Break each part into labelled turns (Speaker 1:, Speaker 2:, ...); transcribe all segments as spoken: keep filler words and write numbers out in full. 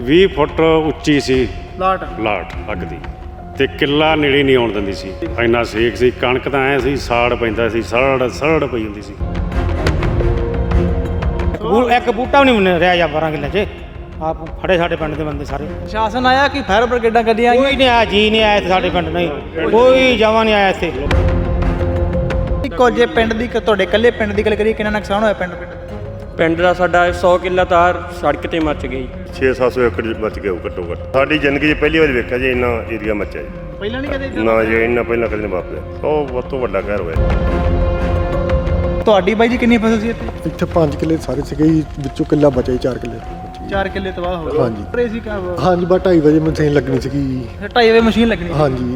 Speaker 1: ਵੀਹ ਫੁੱਟ ਉੱਚੀ ਸੀ
Speaker 2: ਲਾਟ
Speaker 1: ਲਾਟ ਅੱਗ ਦੀ ਤੇ ਕਿੱਲਾ ਨੇੜੇ ਨਹੀਂ ਆਉਣ ਦਿੰਦੀ ਸੀ। ਇੰਨਾ ਸੇਕ ਸੀ, ਕਣਕ ਤਾਂ ਐ ਸੀ ਸਾੜ ਪੈਂਦਾ ਸੀ, ਸੜ ਸੜ ਪਈ ਹੁੰਦੀ ਸੀ।
Speaker 3: ਬੂ ਇੱਕ ਬੂਟਾ ਵੀ ਨਹੀਂ ਰਿਹਾ ਜਾਂ ਬਾਰਾਂ ਕਿੱਲੇ 'ਚ ਆਪ ਫੜੇ ਸਾਡੇ ਪਿੰਡ ਦੇ ਬੰਦੇ ਸਾਰੇ।
Speaker 2: ਸ਼ਾਸਨ ਆਇਆ ਕਿ ਫਾਇਰ ਬ੍ਰਿਗੇਡਾਂ ਗੱਡੀਆਂ
Speaker 3: ਕੋਈ ਨਹੀਂ ਆਇਆ, ਜੀ ਨਹੀਂ ਆਇਆ ਇੱਥੇ ਸਾਡੇ ਪਿੰਡ, ਨਹੀਂ ਕੋਈ ਜਮਾਂ ਨਹੀਂ ਆਇਆ ਇੱਥੇ।
Speaker 2: ਇੱਕੋ ਜੇ ਪਿੰਡ ਦੀ ਤੁਹਾਡੇ ਇਕੱਲੇ ਪਿੰਡ ਦੀ ਗੱਲ ਕਰੀਏ, ਕਿੰਨਾ ਨੁਕਸਾਨ ਹੋਇਆ ਪਿੰਡ ਪਿੰਡ
Speaker 4: ਪਿੰਡ ਦਾ ਸਾਡਾ ਸੌ ਕਿੱਲਾ ਤਾਰ ਸੜਕ ਤੇ ਮੱਚ ਗਈ।
Speaker 5: ਛੇ ਸੱਤ ਸੌ ਏਕੜ ਮੱਚ ਗਿਆ ਘੱਟੋ ਘੱਟ। ਸਾਡੀ ਜ਼ਿੰਦਗੀ 'ਚ ਪਹਿਲੀ ਵਾਰ ਵੇਖਿਆ ਜੀ ਇੰਨਾ ਏਰੀਆ ਮੱਚਿਆ ਜੀ।
Speaker 2: ਪਹਿਲਾਂ ਨਹੀਂ ਕਦੇ
Speaker 5: ਨਾ ਜੀ ਇੰਨਾ ਪਹਿਲਾਂ ਕਦੇ ਨਹੀਂ ਵਾਪਰਿਆ। ਉਹ ਬਹੁਤ ਤੋਂ ਵੱਡਾ ਕਹਿਰ ਹੋਇਆ।
Speaker 2: ਤੁਹਾਡੀ ਬਾਈ ਜੀ ਕਿੰਨੀ ਫਸਲ ਸੀ ਇੱਥੇ?
Speaker 6: ਇੱਥੇ ਪੰਜ ਕਿੱਲੇ ਸਾਰੇ ਸੀਗੇ ਜੀ, ਵਿੱਚੋਂ ਕਿੱਲਾ ਬਚਿਆ ਜੀ, ਚਾਰ ਕਿੱਲੇ
Speaker 2: ਚਾਰ ਕਿੱਲੇ ਤਬਾਹ ਹੋ ਗਏ।
Speaker 6: ਹਾਂਜੀ।
Speaker 2: ਪਰੇ ਸੀ ਕਾ
Speaker 6: ਹਾਂਜੀ, ਬਸ ਢਾਈ ਵਜੇ ਮਸ਼ੀਨ ਲੱਗਣੀ ਸੀਗੀ।
Speaker 2: ਢਾਈ ਵਜੇ ਮਸ਼ੀਨ ਲੱਗਣੀ।
Speaker 6: ਹਾਂਜੀ।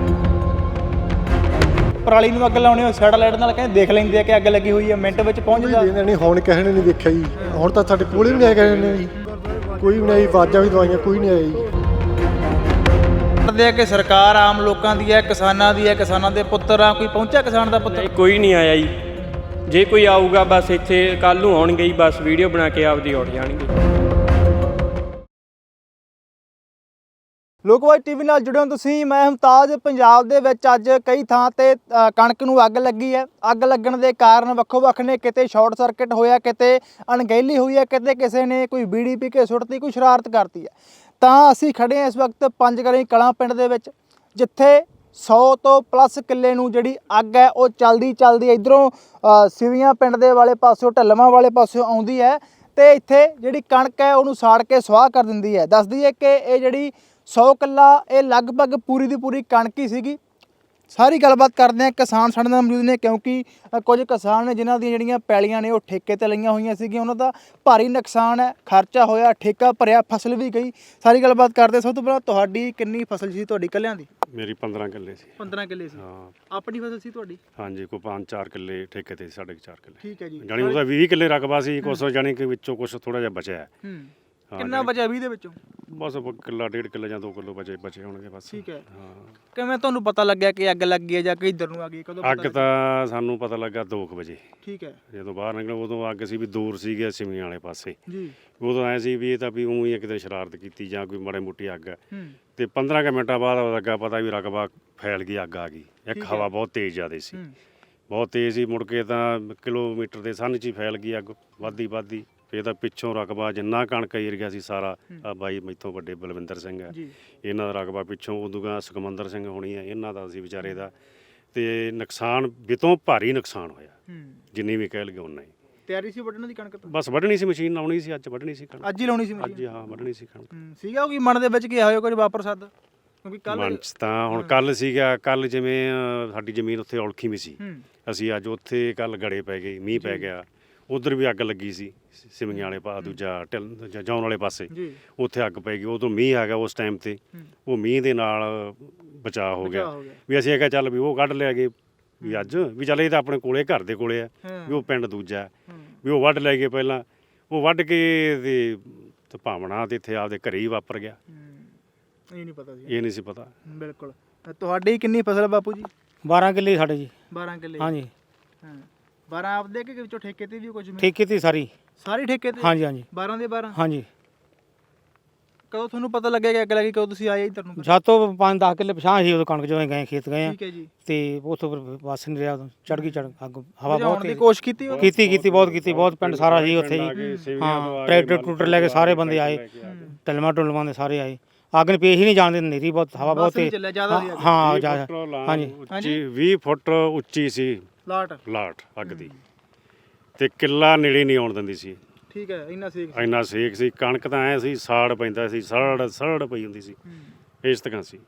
Speaker 2: ਪਰਾਲੀ ਨੂੰ ਅੱਗ ਲਾਉਣੀ ਹੋ ਸੈਟਲਾਈਟ ਨਾਲ ਕਹਿੰਦੇ ਦੇਖ ਲੈਂਦੇ ਆ ਕਿ ਅੱਗ ਲੱਗੀ ਹੋਈ ਹੈ, ਮਿੰਟ ਵਿੱਚ ਪਹੁੰਚ ਜਾ।
Speaker 6: ਇਹਨਾਂ ਨੇ ਹੁਣ ਕਿਸੇ ਨੇ ਨਹੀਂ ਦੇਖਿਆ ਜੀ। ਹੁਣ ਤਾਂ ਸਾਡੇ ਕੋਲੇ ਵੀ ਨਹੀਂ ਆਏ ਕਿਸੇ ਨੇ ਜੀ, ਕੋਈ ਵੀ ਨਹੀਂ ਆਈ। ਆਵਾਜ਼ਾਂ ਵੀ ਦਵਾਈਆਂ ਕੋਈ ਨਹੀਂ ਆਇਆ ਜੀ।
Speaker 2: ਕਰਦੇ ਆ ਕਿ ਸਰਕਾਰ ਆਮ ਲੋਕਾਂ ਦੀ ਹੈ, ਕਿਸਾਨਾਂ ਦੀ ਹੈ, ਕਿਸਾਨਾਂ ਦੇ ਪੁੱਤਰ ਆ। ਕੋਈ ਪਹੁੰਚਿਆ ਕਿਸਾਨ ਦਾ ਪੁੱਤਰ?
Speaker 4: ਨਹੀਂ, ਕੋਈ ਨਹੀਂ ਆਇਆ ਜੀ। ਜੇ ਕੋਈ ਆਊਗਾ ਬਸ ਇੱਥੇ ਕੱਲ੍ਹ ਨੂੰ ਆਉਣਗੇ ਜੀ, ਬਸ ਵੀਡੀਓ ਬਣਾ ਕੇ ਆਪਦੀ ਉੱਡ ਜਾਣਗੇ।
Speaker 2: ਲੋਕਵਾਈ ਟੀਵੀ ਨਾਲ ਜੁੜੇ ਹੋ ਤੁਸੀਂ। ਮੈਂ ਮੁਮਤਾਜ਼। ਪੰਜਾਬ ਦੇ ਵਿੱਚ ਅੱਜ ਕਈ ਥਾਂ ਤੇ ਕਣਕ ਨੂੰ ਅੱਗ ਲੱਗੀ ਹੈ। ਅੱਗ ਲੱਗਣ ਦੇ ਕਾਰਨ ਵੱਖੋ ਵੱਖ ਨੇ। ਕਿਤੇ ਸ਼ਾਰਟ ਸਰਕਟ ਹੋਇਆ, ਕਿਤੇ ਅਣਗਹਿਲੀ ਹੋਈ ਹੈ, ਕਿਤੇ ਕਿਸੇ ਨੇ ਕੋਈ ਬੀੜੀ ਪੀ ਕੇ ਸੁੱਟਤੀ, ਕੋਈ ਸ਼ਰਾਰਤ ਕਰਤੀ ਹੈ। ਤਾਂ ਅਸੀਂ ਖੜੇ ਹਾਂ ਇਸ ਵਕਤ ਪੰਜਗੜ੍ਹੀ ਕਲਾਂ ਪਿੰਡ ਦੇ ਵਿੱਚ, ਜਿੱਥੇ ਸੌ ਤੋਂ ਪਲੱਸ ਕਿੱਲੇ ਨੂੰ ਜਿਹੜੀ ਅੱਗ ਹੈ ਉਹ ਚਲਦੀ ਚਲਦੀ ਇੱਧਰੋਂ ਸਿਵੀਆਂ ਪਿੰਡ ਦੇ ਵਾਲੇ ਪਾਸਿਓਂ ਢੱਲਵਾਂ ਵਾਲੇ ਪਾਸਿਓਂ ਆਉਂਦੀ ਹੈ ਤੇ ਇੱਥੇ ਜਿਹੜੀ ਕਣਕ ਹੈ ਉਹਨੂੰ ਸਾੜ ਕੇ ਸੁਆਹ ਕਰ ਦਿੰਦੀ ਹੈ। ਦੱਸਦੀ ਹੈ ਕਿ ਇਹ ਜਿਹੜੀ ਸੌ ਕਿੱਲਾ ਇਹ ਲਗਭਗ ਪੂਰੀ ਦੀ ਪੂਰੀ ਕਣਕ ਹੀ ਸੀਗੀ। ਸਾਰੀ ਗੱਲਬਾਤ ਕਰਦੇ ਹਾਂ। ਕਿਸਾਨ ਸਾਡੇ ਨਾਲ ਮੌਜੂਦ ਨੇ, ਕਿਉਂਕਿ ਕੁਝ ਕਿਸਾਨ ਨੇ ਜਿਨ੍ਹਾਂ ਦੀਆਂ ਜਿਹੜੀਆਂ ਪੈਲੀਆਂ ਨੇ ਉਹ ਠੇਕੇ 'ਤੇ ਲਈਆਂ ਹੋਈਆਂ ਸੀਗੀਆਂ। ਉਹਨਾਂ ਦਾ ਭਾਰੀ ਨੁਕਸਾਨ ਹੈ, ਖਰਚਾ ਹੋਇਆ, ਠੇਕਾ ਭਰਿਆ, ਫਸਲ ਵੀ ਗਈ। ਸਾਰੀ ਗੱਲਬਾਤ ਕਰਦੇ। ਸਭ ਤੋਂ ਪਹਿਲਾਂ ਤੁਹਾਡੀ ਕਿੰਨੀ ਫਸਲ ਸੀ ਤੁਹਾਡੀ ਇਕੱਲਿਆਂ ਦੀ?
Speaker 1: ਮੇਰੀ ਪੰਦਰਾਂ ਕਿੱਲੇ ਸੀ।
Speaker 2: ਪੰਦਰਾਂ ਕਿੱਲੇ ਸੀ।
Speaker 1: ਹਾਂ।
Speaker 2: ਆਪਣੀ ਫਸਲ ਸੀ ਤੁਹਾਡੀ?
Speaker 1: ਹਾਂਜੀ, ਕੋਈ ਪੰਜ ਚਾਰ ਕਿੱਲੇ ਠੇਕੇ ਤੇ, ਸਾਡੇ ਚਾਰ ਕਿੱਲੇ।
Speaker 2: ਠੀਕ ਹੈ ਜੀ।
Speaker 1: ਜਾਣੀ ਉਹਦਾ ਵੀਹ ਕਿੱਲੇ ਰਕਬਾ ਸੀ। ਕੁਛ ਜਾਣੀ ਕਿ ਵਿੱਚੋਂ ਕੁਛ ਥੋੜਾ ਜਿਹਾ ਬਚਿਆ।
Speaker 2: ਹੂੰ। ਕਿੰਨਾ ਬਚਿਆ ਵੀਹ ਦੇ ਵਿੱਚੋਂ?
Speaker 1: ਬਸ ਕਿੱਲਾ ਡੇਢ ਕਿੱਲਾ ਜਾਂ ਦੋ ਕਿੱਲੋ ਬਚੇ ਬਚੇ ਹੋਣਗੇ ਬਸ।
Speaker 2: ਠੀਕ ਹੈ।
Speaker 1: ਹਾਂ।
Speaker 2: ਕਿਵੇਂ ਤੁਹਾਨੂੰ ਪਤਾ ਲੱਗਿਆ ਕਿ ਅੱਗ ਲੱਗੀ ਹੈ ਜਾਂ ਕਿ ਇੱਧਰ ਨੂੰ ਆ ਗਈ? ਕਦੋਂ
Speaker 1: ਅੱਗ ਤਾਂ ਸਾਨੂੰ ਪਤਾ ਲੱਗਾ ਦੋ ਕੁ ਵਜੇ।
Speaker 2: ਠੀਕ ਹੈ।
Speaker 1: ਜਦੋਂ ਬਾਹਰ ਨਿਕਲੇ ਉਦੋਂ ਅੱਗ ਸੀ ਵੀ ਦੂਰ ਸੀਗੇ ਸਿਮੀਆਂ ਵਾਲੇ ਪਾਸੇ
Speaker 2: ਜੀ।
Speaker 1: ਉਦੋਂ ਐ ਸੀ ਵੀ ਇਹ ਤਾਂ ਵੀ ਊਂ ਹੀ ਕਿਤੇ ਸ਼ਰਾਰਤ ਕੀਤੀ ਜਾਂ ਕੋਈ ਮਾੜੀ ਮੋਟੀ ਅੱਗ ਹੈ।
Speaker 2: ਹੂੰ।
Speaker 1: ਤੇ ਪੰਦਰਾਂ ਕੁ ਮਿੰਟਾਂ ਬਾਅਦ ਲੱਗਾ ਪਤਾ ਵੀ ਰਕਬਾ ਫੈਲ ਗਈ, ਅੱਗ ਆ ਗਈ। ਇੱਕ ਹਵਾ ਬਹੁਤ ਤੇਜ਼ ਜ਼ਿਆਦਾ ਸੀ, ਬਹੁਤ ਤੇਜ਼ ਸੀ। ਮੁੜ ਕੇ ਤਾਂ ਕਿਲੋਮੀਟਰ ਦੇ ਸੰਨ 'ਚ ਹੀ ਫੈਲ ਗਈ ਅੱਗ, ਵੱਧਦੀ ਵੱਧਦੀ। ਫਿਰ ਤਾਂ ਪਿੱਛੋਂ ਰਕਬਾ ਜਿੰਨਾ ਕਣਕ ਏਰੀਆ ਸੀ ਸਾਰਾ, ਆ ਬਾਈ ਮੈਥੋਂ ਵੱਡੇ ਬਲਵਿੰਦਰ ਸਿੰਘ ਹੈ, ਇਹਨਾਂ ਦਾ ਰਕਬਾ ਪਿੱਛੋਂ। ਉਦੋਂ ਗਾ ਸੁਖਮੰਦਰ ਸਿੰਘ ਹੋਣੀ ਹੈ, ਇਹਨਾਂ ਦਾ ਸੀ ਵਿਚਾਰੇ ਦਾ। ਤੇ ਨੁਕਸਾਨ ਬਿਤੋਂ ਭਾਰੀ ਨੁਕਸਾਨ ਹੋਇਆ, ਜਿੰਨੀ ਵੀ ਕਹਿ ਲਗੇ ਉਨਾ ਹੀ।
Speaker 2: ਤਿਆਰੀ ਸੀ ਵੱਢਣ ਦੀ ਕਣਕ ਤਾਂ? ਬਸ
Speaker 1: ਵੱਢਣੀ ਸੀ, ਮਸ਼ੀਨ ਲਾਉਣੀ ਸੀ, ਅੱਜ ਵੱਢਣੀ ਸੀ ਕਣਕ।
Speaker 2: ਅੱਜ ਹੀ ਲਾਉਣੀ ਸੀ ਮਸ਼ੀਨ?
Speaker 1: ਅੱਜ ਹਾਂ ਵੱਢਣੀ ਸੀ ਕਣਕ।
Speaker 2: ਸੀਗਾ ਉਹ ਕੀ ਮਨ ਦੇ ਵਿੱਚ ਕੀ ਹੋਇਆ ਕੁਝ ਵਾਪਰ ਸਕਦਾ? ਕਿਉਂਕਿ ਕੱਲ
Speaker 1: ਮਨ 'ਚ ਤਾਂ ਹੁਣ ਕੱਲ ਸੀਗਾ, ਕੱਲ ਜਿਵੇਂ ਸਾਡੀ ਜ਼ਮੀਨ ਉੱਥੇ ਔਲਖੀ ਵੀ ਸੀ। ਅਸੀਂ ਅੱਜ ਉੱਥੇ ਕੱਲ ਗੜੇ ਪੈ ਗਏ, ਮੀਂਹ ਪੈ ਗਿਆ। ਉਧਰ ਵੀ ਅੱਗ ਲੱਗੀ ਸੀ ਸਿਮੀਆਂ ਵਾਲੇ ਪਾ ਦੂਜਾ ਢਿੱਲ ਜੌਨ ਵਾਲੇ ਪਾਸੇ, ਉੱਥੇ ਅੱਗ ਪੈ ਗਈ। ਉਦੋਂ ਮੀਂਹ ਆ ਗਿਆ ਉਸ ਟਾਈਮ ਤੇ, ਉਹ ਮੀਂਹ ਦੇ ਨਾਲ ਬਚਾਅ ਹੋ ਗਿਆ। ਵੀ ਅਸੀਂ ਇਹ ਕਿਹਾ ਚੱਲ ਵੀ ਉਹ ਕੱਢ ਲਿਆ ਗਏ ਵੀ ਅੱਜ ਵੀ ਚੱਲ ਇਹ ਤਾਂ ਆਪਣੇ ਕੋਲੇ ਘਰ ਦੇ ਕੋਲੇ ਆ, ਵੀ ਉਹ ਪਿੰਡ ਦੂਜਾ ਵੀ ਉਹ ਵੱਢ ਲੈ ਗਏ ਪਹਿਲਾਂ। ਉਹ ਵੱਢ ਕੇ ਤੇ ਭਾਵਨਾ ਤੇ ਇੱਥੇ ਆਪਦੇ ਘਰੇ ਹੀ ਵਾਪਰ ਗਿਆ।
Speaker 2: ਇਹ ਨਹੀਂ ਪਤਾ ਸੀ?
Speaker 1: ਇਹ ਨਹੀਂ ਸੀ ਪਤਾ।
Speaker 2: ਬਿਲਕੁਲ। ਤੁਹਾਡੀ ਕਿੰਨੀ ਫਸਲ ਬਾਪੂ ਜੀ?
Speaker 3: ਬਾਰਾਂ ਕਿੱਲੇ ਸਾਡੇ ਜੀ।
Speaker 2: ਬਾਰਾਂ ਕਿੱਲੇ? ਹਾਂਜੀ। ਹਾਂ। ਬਾਰਾਂ ਆਪਦੇ ਕਿ ਵਿੱਚੋਂ ਠੇਕੇ ਤੇ ਵੀ ਕੁਝ?
Speaker 3: ਠੇਕੇ ਤੇ ਸਾਰੀ
Speaker 2: ਸਾਰੀ ਠੇਕੇ ਤੇ? ਹਾਂਜੀ ਹਾਂਜੀ। ਬਾਰਾਂ ਦੇ ਬਾਰਾਂ? ਹਾਂਜੀ। ਕਦੋਂ ਤੁਹਾਨੂੰ ਪਤਾ ਲੱਗਿਆ ਕਿ ਅੱਗ ਲੱਗੀ? ਕਦੋਂ ਤੁਸੀਂ ਆਏ ਇੱਧਰ ਨੂੰ?
Speaker 3: ਸਾਤੋਂ ਪੰਜ ਦਸ ਕਿੱਲੇ ਪਛਾਂ ਸੀ ਉਦੋਂ ਕਣਕ ਜਦੋਂ ਗਏ ਖੇਤ ਗਏ ਆ।
Speaker 2: ਠੀਕ ਹੈ ਜੀ। ਤੇ
Speaker 3: ਉੱਥੋਂ ਬਸ ਨਹੀਂ ਰਿਹਾ, ਉਦੋਂ ਚੜ ਗਈ ਚੜ ਅੱਗ। ਹਵਾ ਬਹੁਤ
Speaker 2: ਦੀ ਕੋਸ਼ਿਸ਼ ਕੀਤੀ?
Speaker 3: ਕੀਤੀ ਕੀਤੀ ਬਹੁਤ ਕੀਤੀ, ਬਹੁਤ ਪਿੰਡ ਸਾਰਾ ਸੀ ਉੱਥੇ ਜੀ। ਹਾਂ, ਟਰੈਕਟਰ ਟਰੂਟਰ ਲੈ ਕੇ ਸਾਰੇ ਬੰਦੇ ਆਏ, ਟਲਮਾ ਟੁਲਮਾਂ ਦੇ ਸਾਰੇ ਆਏ। ਅੱਗ ਨੇ ਪੇਸ਼ ਹੀ ਨਹੀਂ ਜਾਣ ਦਿੰਦੀ, ਨੇਰੀ ਬਹੁਤ, ਹਵਾ ਬਹੁਤ ਤੇਜ਼। ਹਾਂ ਜ਼ਿਆਦਾ।
Speaker 1: ਹਾਂਜੀ, ਵੀਹ ਫੁੱਟ ਉੱਚੀ ਸੀ
Speaker 2: ਲਾਟ
Speaker 1: ਲਾਟ ਅੱਗ ਦੀ ਤੇ ਕਿੱਲਾ ਨੇੜੇ ਨਹੀਂ ਆਉਣ ਦਿੰਦੀ ਸੀ।
Speaker 2: ਠੀਕ ਹੈ। ਇੰਨਾ ਸੇਕ
Speaker 1: ਇੰਨਾ ਸੇਕ ਸੀ, ਕਣਕ ਤਾਂ ਐ ਸੀ ਸਾੜ ਪੈਂਦਾ ਸੀ, ਸੜ ਸੜ ਪਈ ਹੁੰਦੀ ਸੀ। ਇਸ ਤਰ੍ਹਾਂ ਸੀ।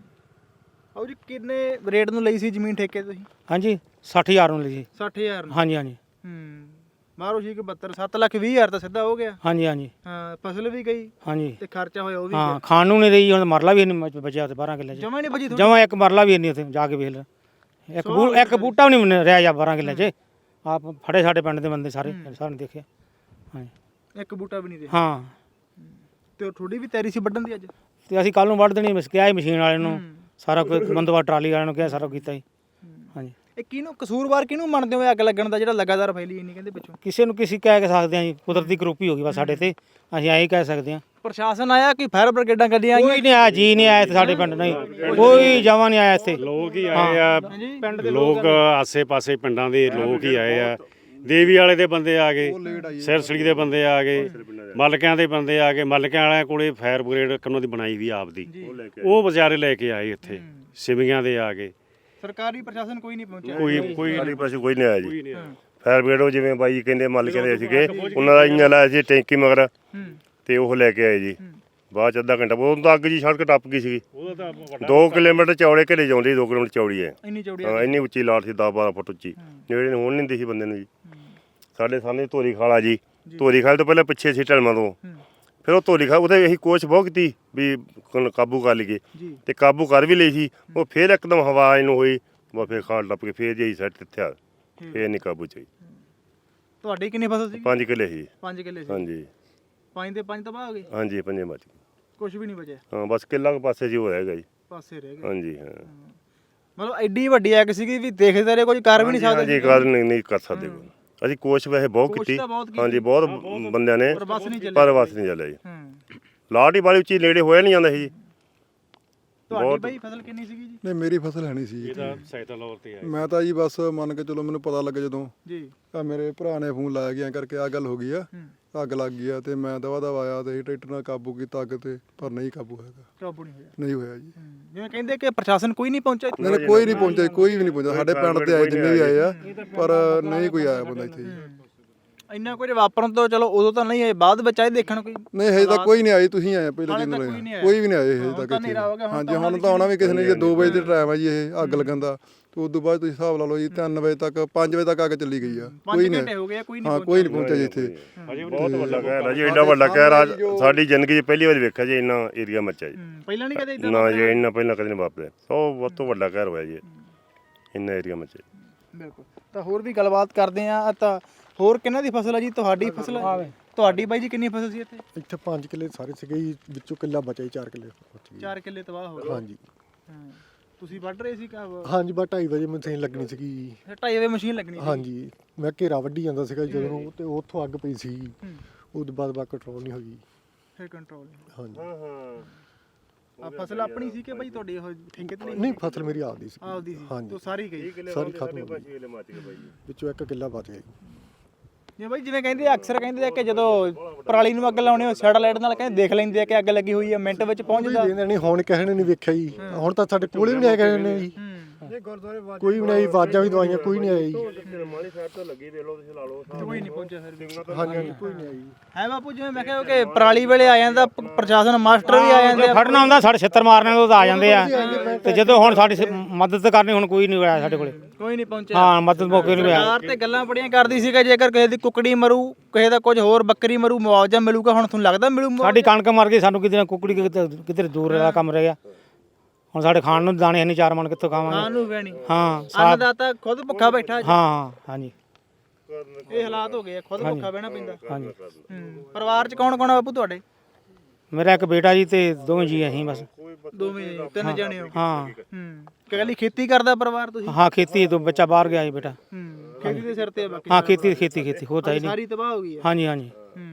Speaker 2: ਆਓ ਜੀ, ਕਿੰਨੇ ਰੇਟ ਨੂੰ ਲਈ ਸੀ ਜ਼ਮੀਨ ਠੇਕੇ ਤੁਸੀਂ?
Speaker 3: ਹਾਂਜੀ, ਸੱਠ ਹਜ਼ਾਰ ਨੂੰ ਲਈ ਸੀ।
Speaker 2: ਸੱਠ ਹਜ਼ਾਰ ਨੂੰ? ਹਾਂਜੀ ਹਾਂਜੀ। ਹੂੰ। ਮਾਰੋ ਜੀ ਕਿ ਬਹੱਤਰ, ਸੱਤ ਲੱਖ ਵੀਹ ਹਜ਼ਾਰ ਤਾਂ ਸਿੱਧਾ ਹੋ ਗਿਆ। ਹਾਂਜੀ ਹਾਂਜੀ। ਹਾਂ, ਫਸਲ ਵੀ ਗਈ। ਹਾਂਜੀ। ਤੇ ਖਰਚਾ ਹੋਇਆ ਉਹ ਵੀ।
Speaker 3: ਹਾਂ, ਖਾਣ ਨੂੰ ਨਹੀਂ ਰਹੀ। ਹੁਣ ਮਰਲਾ ਵੀ ਨਹੀਂ ਬਚਿਆ ਉੱਥੇ ਬਾਰਾਂ ਕਿੱਲੇ 'ਚ। ਜਮਾ ਨਹੀਂ ਬਚੀ? ਜਮਾ ਇੱਕ ਮਰਲਾ ਵੀ ਨਹੀਂ ਉੱਥੇ ਜਾ ਕੇ ਵੇਖ ਲੈ। ਇੱਕ ਬੂ ਇੱਕ ਬੂਟਾ ਵੀ ਨਹੀਂ ਰਿਹਾ ਜਾਂ ਬਾਰਾਂ ਕਿੱਲੇ 'ਚ ਆਪ ਫੜੇ ਸਾਡੇ ਪਿੰਡ ਦੇ ਬੰਦੇ ਸਾਰੇ, ਸਾਰਿਆਂ ਨੇ ਦੇਖਿਆ। ਹਾਂਜੀ,
Speaker 2: ਇੱਕ ਬੂਟਾ ਵੀ ਨਹੀਂ ਰਿਹਾ। ਹਾਂ। ਤੇ ਤੁਹਾਡੀ ਵੀ ਤਿਆਰੀ ਸੀ ਵੱਢਣ ਦੀ ਅੱਜ? ਤੇ ਅਸੀਂ ਕੱਲ ਨੂੰ ਵੱਢ ਦੇਣੀ, ਕਿਹਾ ਸੀ ਮਸ਼ੀਨ ਵਾਲੇ ਨੂੰ, ਸਾਰਾ ਕੋਈ ਬੰਦੋਬਸਤ ਟਰਾਲੀ ਵਾਲਿਆਂ ਨੂੰ ਕਿਹਾ, ਸਾਰਾ ਕੀਤਾ ਜੀ। ਹਾਂਜੀ। ਇਹ ਕਿਹਨੂੰ ਕਸੂਰਵਾਰ ਕਿਹਨੂੰ ਮੰਨਦੇ ਹੋ ਅੱਗ ਲੱਗਣ ਦਾ ਜਿਹੜਾ ਲਗਾਤਾਰ ਫੈਲੀ ਇੰਨੀ ਕਹਿੰਦੇ ਪਿੱਛੋਂ?
Speaker 3: ਕਿਸੇ ਨੂੰ ਕਿਸੇ ਕਹਿ ਕੇ ਸਕਦੇ ਆ ਜੀ, ਕੁਦਰਤੀ ਕਰੋਪੀ ਹੋ ਗਈ ਬਸ ਸਾਡੇ ਤੇ, ਅਸੀਂ ਐਂ ਹੀ ਕਹਿ ਸਕਦੇ ਆ।
Speaker 2: ਪ੍ਰਸ਼ਾਸਨ ਆਇਆ ਕਿ ਫਾਇਰ ਬ੍ਰਿਗੇਡਾਂ ਗੱਡੀਆਂ ਆਈਆਂ?
Speaker 3: ਕੋਈ ਨਹੀਂ ਆਇਆ ਜੀ, ਨਹੀਂ ਆਇਆ ਇੱਥੇ ਸਾਡੇ ਪਿੰਡ, ਨਹੀਂ ਕੋਈ ਜਮਾਂ ਨਹੀਂ ਆਇਆ ਇੱਥੇ।
Speaker 1: ਲੋਕ ਹੀ ਆਏ ਆ, ਪਿੰਡ ਦੇ ਲੋਕ ਆਸੇ-ਪਾਸੇ ਪਿੰਡਾਂ ਦੇ ਲੋਕ ਹੀ ਆਏ ਆ। ਦੇਵੀ ਵਾਲੇ ਦੇ ਬੰਦੇ ਆ ਗਏ, ਸਿਰਸੜੀ ਦੇ ਬੰਦੇ ਆ ਗਏ, ਮਲਕਿਆਂ ਦੇ ਬੰਦੇ ਆ ਗਏ। ਮਲਕਿਆਂ ਵਾਲਿਆਂ ਕੋਲੇ ਫਾਇਰ ਬ੍ਰਿਗੇਡ ਉਹਨਾਂ ਦੀ ਬਣਾਈ ਵੀ ਆਪਦੀ, ਉਹ ਵਿਚਾਰੇ ਲੈ ਕੇ ਆਏ ਇੱਥੇ। ਸਿਵਿਆਂ ਦੇ ਆ ਗਏ।
Speaker 2: ਸਰਕਾਰੀ ਪ੍ਰਸ਼ਾਸਨ ਕੋਈ ਨਹੀਂ ਪਹੁੰਚਿਆ?
Speaker 1: ਕੋਈ ਕੋਈ
Speaker 5: ਸਾਡੇ ਪਾਸੇ ਕੋਈ ਨਹੀਂ ਆਇਆ ਜੀ। ਫਾਇਰ ਬ੍ਰਿਗੇਡ ਉਹ ਜਿਵੇਂ ਬਾਈ ਕਹਿੰਦੇ ਮਲਕਿਆਂ ਦੇ ਸੀਗੇ, ਉਹਨਾਂ ਦਾ ਇੰਜਨ ਲਾਇਆ ਸੀ ਟੈਂਕੀ ਮਗਰ, ਤੇ ਉਹ ਲੈ ਕੇ ਆਏ ਜੀ। ਬਾਅਦ ਚ ਅੱਧਾ ਘੰਟਾ ਉਹ ਤਾਂ ਅੱਗ ਜੀ ਸੜਕ ਟੱਪ ਗਈ ਸੀਗੀ। ਦੋ ਕਿਲੋਮੀਟਰ ਚੌੜੇ ਘਰੇ ਜਾਂਦੀ, ਦੋ ਕਿਲੋਮੀਟਰ ਚੌੜੀ ਹੈ।
Speaker 2: ਇੰਨੀ ਚੌੜੀ?
Speaker 5: ਹਾਂ, ਇੰਨੀ ਉੱਚੀ ਲਾਟ ਸੀ, ਦਸ ਬਾਰਾਂ ਫੁੱਟ ਉੱਚੀ, ਜਿਹੜੇ ਹੋਣ ਨਹੀਂ ਦਿੰਦੀ ਸੀ ਬੰਦੇ ਨੂੰ ਜੀ। ਸਾਡੇ ਸਾਹਮਣੇ ਧੋਰੀ ਖਾਲਾ ਜੀ, ਧੋਰੀ ਖਾਲ ਤੋਂ ਪਹਿਲਾਂ ਪਿੱਛੇ ਸੀ ਢਲਮਾਂ ਤੋਂ, ਫਿਰ ਉਹ ਧੋਰੀ ਖਾਲ ਉਹਦੇ ਅਸੀਂ ਕੋਸ਼ਿਸ਼ ਬਹੁਤ ਕੀਤੀ ਵੀ ਕ- ਕਾਬੂ ਕਰ ਲਈਏ, ਤੇ ਕਾਬੂ ਕਰ ਵੀ ਲਈ ਸੀ। ਉਹ ਫਿਰ ਇੱਕਦਮ ਹਵਾ ਇਹਨੂੰ ਹੋਈ, ਉਹ ਫਿਰ ਖਾਲ ਟੱਪ ਕੇ ਫਿਰ ਜਿਹੀ ਸੈੱਟ ਇੱਥੇ ਆ, ਫਿਰ ਨਹੀਂ ਕਾਬੂ ਚ ਆਈ।
Speaker 2: ਤੁਹਾਡੀ ਕਿੰਨੀ ਫਸਲ ਸੀ?
Speaker 5: ਪੰਜ ਕਿੱਲੇ ਸੀ।
Speaker 2: ਪੰਜ ਕਿੱਲੇ ਸੀ?
Speaker 5: ਹਾਂਜੀ
Speaker 2: ਪੰਜ ਦੇ ਪੰਜ ਤਬਾਹ ਹੋ ਗਏ?
Speaker 5: ਹਾਂਜੀ, ਪੰਜੇ ਮੱਚ ਗਏ।
Speaker 2: ਕੁਝ ਵੀ ਨਹੀਂ ਬਚਿਆ?
Speaker 5: ਹਾਂ, ਬਸ ਕਿੱਲਾ ਕੁ ਪਾਸੇ ਜੀ ਹੋ ਹੈਗਾ ਜੀ।
Speaker 2: ਪਾਸੇ ਰਹਿ ਗਏ?
Speaker 5: ਹਾਂਜੀ ਹਾਂ।
Speaker 2: ਮਤਲਬ ਐਡੀ ਵੱਡੀ ਅੱਗ ਸੀਗੀ ਵੀ ਦੇਖਦੇ ਰਹੇ, ਕੁਝ ਕਰ ਵੀ ਨਹੀਂ ਸਕਦੇ?
Speaker 5: ਹਾਂਜੀ, ਕਰ ਨਹੀਂ ਨਹੀਂ ਕਰ ਸਕਦੇ ਕੋਈ। ਅਸੀਂ ਕੋਸ਼ਿਸ਼ ਵੈਸੇ ਬਹੁਤ
Speaker 2: ਕੋਸ਼ਿਸ਼
Speaker 5: ਕੀਤੀ,
Speaker 2: ਤਾਂ ਬਹੁਤ ਕੀਤੀ।
Speaker 5: ਹਾਂਜੀ ਬਹੁਤ ਬੰਦਿਆਂ ਨੇ,
Speaker 2: ਪਰ ਬਸ ਨਹੀਂ ਚੱਲਿਆ।
Speaker 5: ਪਰ ਬਸ ਨਹੀਂ ਚੱਲਿਆ ਜੀ।
Speaker 2: ਹੂੰ।
Speaker 5: ਲਾਟ ਹੀ ਬਾਲੀ ਉੱਚੀ ਨੇੜੇ ਹੋਇਆ ਨਹੀਂ ਜਾਂਦਾ ਸੀ ਜੀ।
Speaker 2: ਤੁਹਾਡੀ ਬਾਈ ਫਸਲ ਕਿੰਨੀ ਸੀਗੀ ਜੀ?
Speaker 6: ਨਹੀਂ ਮੇਰੀ ਫਸਲ ਹੈ ਨਹੀਂ ਸੀ ਜੀ।
Speaker 1: ਇਹਦਾ ਸਹਾਇਤਾ ਲੌਰ ਤੇ ਆਏ।
Speaker 6: ਮੈਂ ਤਾਂ ਜੀ ਬਸ ਮੰਨ ਕੇ ਚਲੋ ਮੈਨੂੰ ਪਤਾ ਲੱਗਾ ਜਦੋਂ
Speaker 2: ਜੀ।
Speaker 6: ਆ ਮੇਰੇ ਭਰਾ ਨੇ ਫੋਨ ਲਾਇਆ ਗਿਆ ਕਰਕੇ ਆ ਗੱਲ ਹੋ ਗਈ ਆ, ਅੱਗ ਲੱਗ ਗਈ ਆ, ਤੇ ਮੈਂ ਦਵਾ ਦਵਾ ਆਇਆ ਤੇ ਟਰੈਕਟਰ ਨਾਲ ਕਾਬੂ ਕੀਤਾ ਅੱਗ ਤੇ, ਪਰ ਨਹੀਂ ਕਾਬੂ ਹੈਗਾ,
Speaker 2: ਕਾਬੂ ਨਹੀਂ ਹੋਇਆ?
Speaker 6: ਨਹੀਂ ਹੋਇਆ ਜੀ।
Speaker 2: ਜਿਵੇਂ ਕਹਿੰਦੇ ਕਿ ਪ੍ਰਸ਼ਾਸਨ ਕੋਈ ਨਹੀਂ ਪਹੁੰਚਿਆ ਇੱਥੇ?
Speaker 6: ਨਹੀਂ ਕੋਈ ਨਹੀਂ ਪਹੁੰਚਿਆ, ਕੋਈ ਵੀ ਨਹੀਂ ਪਹੁੰਚਿਆ। ਸਾਡੇ ਪਿੰਡ ਤੇ ਆਏ ਜਿੰਨੇ ਵੀ ਆਏ ਆ, ਪਰ ਨਹੀਂ ਕੋਈ ਆਇਆ ਬੰਦਾ ਇੱਥੇ ਜੀ।
Speaker 2: ਇੰਨਾ ਕੁਝ ਵਾਪਰਨ ਤੋਂ ਚਲੋ ਉਦੋਂ ਤਾਂ ਨਹੀਂ ਆਏ, ਬਾਅਦ ਵਿੱਚ ਆਏ ਦੇਖਣ ਕੋਈ?
Speaker 6: ਨਹੀਂ ਹਜੇ ਤਾਂ ਕੋਈ ਨਹੀਂ ਆਈ, ਤੁਸੀਂ ਆਏ ਪਹਿਲੇ
Speaker 2: ਹਾਲੇ
Speaker 6: ਦਿਨ
Speaker 2: ਤੱਕ
Speaker 6: ਰਹੇ
Speaker 2: ਕੋਈ ਨਹੀਂ ਆਇਆ।
Speaker 6: ਕੋਈ ਵੀ ਨਹੀਂ ਆਏ ਹਜੇ
Speaker 2: ਹੁਣ
Speaker 6: ਤੱਕ
Speaker 2: ਤਾਂ
Speaker 6: ਇੱਥੇ।
Speaker 2: ਹਨੇਰਾ ਹੋ ਗਿਆ, ਹੁਣ
Speaker 6: ਹਾਂਜੀ,
Speaker 2: ਤਾਂ
Speaker 6: ਹੁਣ ਤਾਂ ਆਉਣਾ ਵੀ ਕਿਸੇ ਨੇ ਜੀ। ਦੋ ਵਜੇ ਦੇ ਟਾਈਮ ਆ ਜੀ ਇਹ ਅੱਗ ਲੱਗਣ ਦਾ, ਤੇ ਉਸ ਤੋਂ ਬਾਅਦ ਤੁਸੀਂ ਹਿਸਾਬ ਲਾ ਲਓ ਜੀ ਤਿੰਨ ਵਜੇ ਤੱਕ, ਪੰਜ ਵਜੇ ਤੱਕ ਅੱਗ ਚੱਲੀ ਗਈ ਆ। ਕੋਈ ਨਹੀਂ,
Speaker 2: ਹੋ ਗਏ ਕੋਈ ਨਹੀਂ
Speaker 6: ਹਾਂ ਕੋਈ ਨਹੀਂ ਪਹੁੰਚਿਆ ਜੀ ਇੱਥੇ।
Speaker 5: ਬਹੁਤ ਵੱਡਾ ਕਹਿਰ ਆ ਜੀ, ਐਡਾ ਵੱਡਾ ਕਹਿਰ ਆ ਸਾਡੀ ਜ਼ਿੰਦਗੀ 'ਚ ਪਹਿਲੀ ਵਾਰ ਵੇਖਿਆ ਜੀ ਇੰਨਾ ਏਰੀਆ ਮੱਚਿਆ ਜੀ।
Speaker 2: ਪਹਿਲਾਂ ਨਹੀਂ ਕਦੇ ਇਦਾਂ?
Speaker 5: ਨਾ ਜੀ, ਇੰਨਾ ਪਹਿਲਾਂ ਕਦੇ ਨਹੀਂ ਵਾਪਰਿਆ। ਸੋ ਬਹੁਤ ਤੋਂ ਵੱਡਾ ਕਹਿਰ ਹੋਇਆ ਜੀ, ਇੰਨਾ ਏਰੀਆ ਮੱਚਿਆ।
Speaker 2: ਬਿਲਕੁਲ। ਤਾਂ ਹੋਰ ਵੀ ਗੱਲਬਾਤ ਕਰਦੇ ਆ। ਤਾਂ ਹੋਰ ਕਿਹਨਾਂ ਦੀ ਫਸਲ ਆ ਜੀ? ਤੁਹਾਡੀ ਫਸਲ ਆ? ਤੁਹਾਡੀ ਬਾਈ ਜੀ ਕਿੰਨੀ ਫਸਲ ਸੀ ਇੱਥੇ?
Speaker 6: ਇੱਥੇ ਪੰਜ ਕਿੱਲੇ ਸਾਰੇ ਸੀਗੇ ਜੀ, ਵਿੱਚੋਂ ਕਿੱਲਾ ਬਚਿਆ ਜੀ, ਚਾਰ ਕਿੱਲੇ ਬਚ ਗਏ।
Speaker 2: ਚਾਰ ਕਿੱਲੇ ਤਬਾਹ ਹੋ ਗਏ?
Speaker 6: ਹਾਂਜੀ
Speaker 2: ਹਾਂ। ਤੁਸੀਂ ਵੱਢ ਰਹੇ ਸੀ ਕਾ?
Speaker 6: ਹਾਂਜੀ, ਬਸ ਢਾਈ ਵਜੇ ਮਸ਼ੀਨ ਲੱਗਣੀ ਸੀਗੀ ਜੀ।
Speaker 2: ਢਾਈ ਵਜੇ ਮਸ਼ੀਨ ਲੱਗਣੀ ਸੀ?
Speaker 6: ਹਾਂਜੀ, ਮੈਂ ਘੇਰਾ ਵੱਢੀ ਜਾਂਦਾ ਸੀਗਾ ਜਦੋਂ, ਤੇ ਉੱਥੋਂ ਅੱਗ ਪਈ ਸੀ। ਉਸ ਤੋਂ ਬਾਅਦ ਬਾ ਕੰਟਰੋਲ ਨਹੀਂ ਹੋਈ।
Speaker 2: ਫਿਰ ਕੰਟਰੋਲ?
Speaker 6: ਹਾਂਜੀ
Speaker 2: ਆ ਫਸਲ ਆਪਣੀ ਸੀ ਕਿ ਬਾਈ ਤੁਹਾਡੀ ਉਹ ਠੇਕੇ ਤੇ ਲਈ?
Speaker 6: ਨਹੀਂ, ਫਸਲ ਮੇਰੀ ਆਪਦੀ ਸੀ।
Speaker 2: ਆਪਦੀ ਸੀ?
Speaker 6: ਹਾਂਜੀ।
Speaker 2: ਤੋਂ ਸਾਰੀ ਗਈ?
Speaker 6: ਸਾਰੀ ਖਤਮ ਹੋ ਗਈ, ਵਿੱਚੋਂ ਇੱਕ ਕਿੱਲਾ ਬਚ ਗਿਆ ਜੀ।
Speaker 2: ਜੇ ਬਾਈ ਜਿਵੇਂ ਕਹਿੰਦੇ ਆ, ਅਕਸਰ ਕਹਿੰਦੇ ਆ ਕਿ ਜਦੋਂ ਪਰਾਲੀ ਨੂੰ ਅੱਗ ਲਾਉਣੇ ਹੋ ਸੈਟਲਾਈਟ ਨਾਲ ਕਹਿੰਦੇ ਦੇਖ ਲੈਂਦੇ ਆ ਕਿ ਅੱਗ ਲੱਗੀ ਹੋਈ ਹੈ, ਮਿੰਟ ਵਿੱਚ ਪਹੁੰਚਦਾ?
Speaker 6: ਨਹੀਂ, ਹੁਣ ਕਿਸੇ ਨੇ ਨਹੀਂ ਵੇਖਿਆ ਜੀ। ਹੁਣ ਤਾਂ ਸਾਡੇ ਕੋਲੇ ਵੀ ਨਹੀਂ ਆਏ ਕਿਸੇ ਨੇ ਜੀ। ਕੋਈ ਵੀ ਨਹੀਂ ਆਈ, ਆਵਾਜ਼ਾਂ ਵੀ ਦਵਾਈਆਂ, ਕੋਈ ਨਹੀਂ ਆਈ ਜੀ।
Speaker 5: ਮਾਲੀ ਸਾਈਡ ਤੋਂ ਲੱਗੀ ਦੇਖ ਲਓ, ਤੁਸੀਂ ਲਾ ਲਓ।
Speaker 2: ਕੋਈ ਨਹੀਂ ਪਹੁੰਚਿਆ ਫਿਰ ਵੀ?
Speaker 6: ਹਾਂਜੀ ਹਾਂਜੀ, ਕੋਈ ਨਹੀਂ ਆਈ।
Speaker 2: ਹੈ ਬਾਪੂ, ਜਿਵੇਂ ਮੈਂ ਕਿਹਾ ਕਿ ਪਰਾਲੀ ਵੇਲੇ ਆ ਜਾਂਦਾ ਪ- ਪ੍ਰਸ਼ਾਸਨ, ਮਾਸਟਰ ਵੀ ਆ ਜਾਂਦੇ ਆ।
Speaker 3: ਫੜਨਾ ਹੁੰਦਾ ਸਾਡੇ ਛਿੱਤਰ ਮਾਰਨੇ ਤੋਂ ਆ ਜਾਂਦੇ ਆ, ਤੇ ਜਦੋਂ ਹੁਣ ਸਾਡੀ ਸ- ਮਦਦ ਕਰਨੀ ਹੁਣ ਕੋਈ ਨਹੀਂ ਆਇਆ ਸਾਡੇ ਕੋਲੇ।
Speaker 2: ਕੋਈ ਨਹੀਂ ਪਹੁੰਚਿਆ?
Speaker 3: ਹਾਂ, ਮਦਦ ਮੌਕੇ ਨਹੀਂ ਆਇਆ।
Speaker 2: ਸਰਕਾਰ ਤੇ ਗੱਲਾਂ ਬੜੀਆਂ ਕਰਦੀ ਸੀ ਕਿ ਜੇਕਰ ਕਿਸੇ ਦੀ ਕੁਕੜੀ ਮਰੂ, ਕਿਸੇ ਦਾ ਕੁਝ ਹੋਰ ਬੱਕਰੀ ਮਰੂ, ਮੁਆਵਜ਼ਾ ਮਿਲੂਗਾ। ਹੁਣ ਤੁਹਾਨੂੰ ਲੱਗਦਾ ਮਿਲੂ ਮੁਆਵਜ਼ਾ?
Speaker 3: ਸਾਡੀ ਕਣਕ ਮਰ ਗਈ, ਸਾਨੂੰ ਕਿਤੇ ਨਾ ਕੁਕੜੀ ਕਿਤੇ ਕਿਤੇ ਦੂਰ ਦਾ ਕੰਮ ਰਹਿ ਗਿਆ। ਹੁਣ ਸਾਡੇ ਖਾਣ ਨੂੰ ਦਾਣੇ ਨਹੀਂ, ਚਾਰ ਮਣ ਕਿੱਥੋਂ ਖਾਵਾਂਗੇ?
Speaker 2: ਖਾਣ ਨੂੰ ਵੀ ਨਹੀਂ।
Speaker 3: ਹਾਂ
Speaker 2: ਅੰਨਦਾਤਾ ਖੁਦ ਭੁੱਖਾ ਬੈਠਾ।
Speaker 3: ਹਾਂ ਹਾਂਜੀ,
Speaker 2: ਇਹ ਹਾਲਾਤ ਹੋ ਗਏ ਆ, ਖੁਦ ਭੁੱਖਾ ਬਹਿਣਾ ਪੈਂਦਾ।
Speaker 3: ਹਾਂਜੀ।
Speaker 2: ਹੂੰ। ਪਰਿਵਾਰ ਚ ਕੌਣ ਕੌਣ ਆ ਬਾਪੂ ਤੁਹਾਡੇ?
Speaker 3: ਮੇਰਾ ਇੱਕ ਬੇਟਾ ਜੀ ਤੇ ਦੋਵੇਂ ਜੀ ਅਸੀਂ ਬਸ।
Speaker 2: ਦੋਵੇਂ ਤਿੰਨ ਜਣੇ ਹੋ?
Speaker 3: ਹਾਂ
Speaker 2: ਹੂੰ। ਕੱਲੀ ਖੇਤੀ ਕਰਦਾ ਪਰਿਵਾਰ ਤੁਸੀਂ?
Speaker 3: ਹਾਂ, ਖੇਤੀ ਤੋਂ ਬੱਚਾ ਬਾਹਰ ਗਿਆ ਜੀ ਬੇਟਾ।
Speaker 2: ਹੂੰ। ਖੇਤੀ ਦੇ ਸਿਰ ਤੇ ਆ ਬਾਕੀ?
Speaker 3: ਹਾਂ, ਖੇਤੀ ਖੇਤੀ ਖੇਤੀ ਹੋਤਾ ਹੀ ਨਹੀਂ।
Speaker 2: ਸਾਰੀ ਤਬਾਹ ਹੋ ਗਈ ਹੈ?
Speaker 3: ਹਾਂਜੀ ਹਾਂਜੀ।
Speaker 2: ਹੂੰ।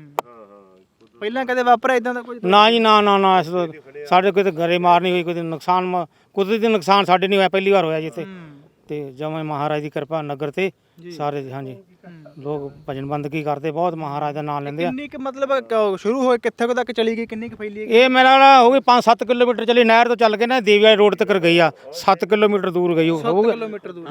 Speaker 2: ਪਹਿਲਾਂ ਕਦੇ ਵਾਪਰਿਆ ਇਦਾਂ ਦਾ ਕੁਝ?
Speaker 3: ਨਾ ਜੀ, ਨਾ ਨਾ ਨਾ, ਇਸ ਤੋਂ ਸਾਡੇ ਕੋਈ ਗਰੇ ਮਾਰ ਨਹੀਂ ਹੋਈ, ਕੋਈ ਨੁਕਸਾਨ ਮ- ਕੁਦਰਤੀ ਨੁਕਸਾਨ ਸਾਡੇ ਨਹੀਂ ਹੋਇਆ, ਪਹਿਲੀ ਵਾਰ ਹੋਇਆ ਜੀ ਇੱਥੇ। ਤੇ ਜਮਾਂ ਮਹਾਰਾਜ ਦੀ ਕਿਰਪਾ ਨਗਰ ਤੇ ਸਾਰੇ। ਹਾਂਜੀ, ਲੋਕ ਭਜਨ ਬੰਦਗੀ ਕਰਦੇ, ਬਹੁਤ ਮਹਾਰਾਜ ਦਾ ਨਾਮ ਲੈਂਦੇ ਆ।
Speaker 2: ਕਿੰਨੀ ਕੁ ਮਤਲਬ ਕ- ਸ਼ੁਰੂ ਹੋਏ ਕਿੱਥੇ ਕੁ ਤੱਕ ਚਲੀ ਗਈ, ਕਿੰਨੀ ਕੁ ਫੈਲੀ ਹੈ?
Speaker 3: ਇਹ ਮੇਰਾ ਵਾਲਾ ਹੋ ਗਈ ਪੰਜ ਸੱਤ ਕਿਲੋਮੀਟਰ ਚਲੀ, ਨਹਿਰ ਤੋਂ ਚੱਲ ਕੇ ਨਾ ਦੇਵੀ ਵਾਲੇ ਰੋਡ ਤੱਕ ਗਈ ਆ। ਸੱਤ ਕਿਲੋਮੀਟਰ ਦੂਰ ਗਈ ਉਹ ਹੋਊਗੀ।
Speaker 2: ਕਿਲੋਮੀਟਰ ਦੂਰ?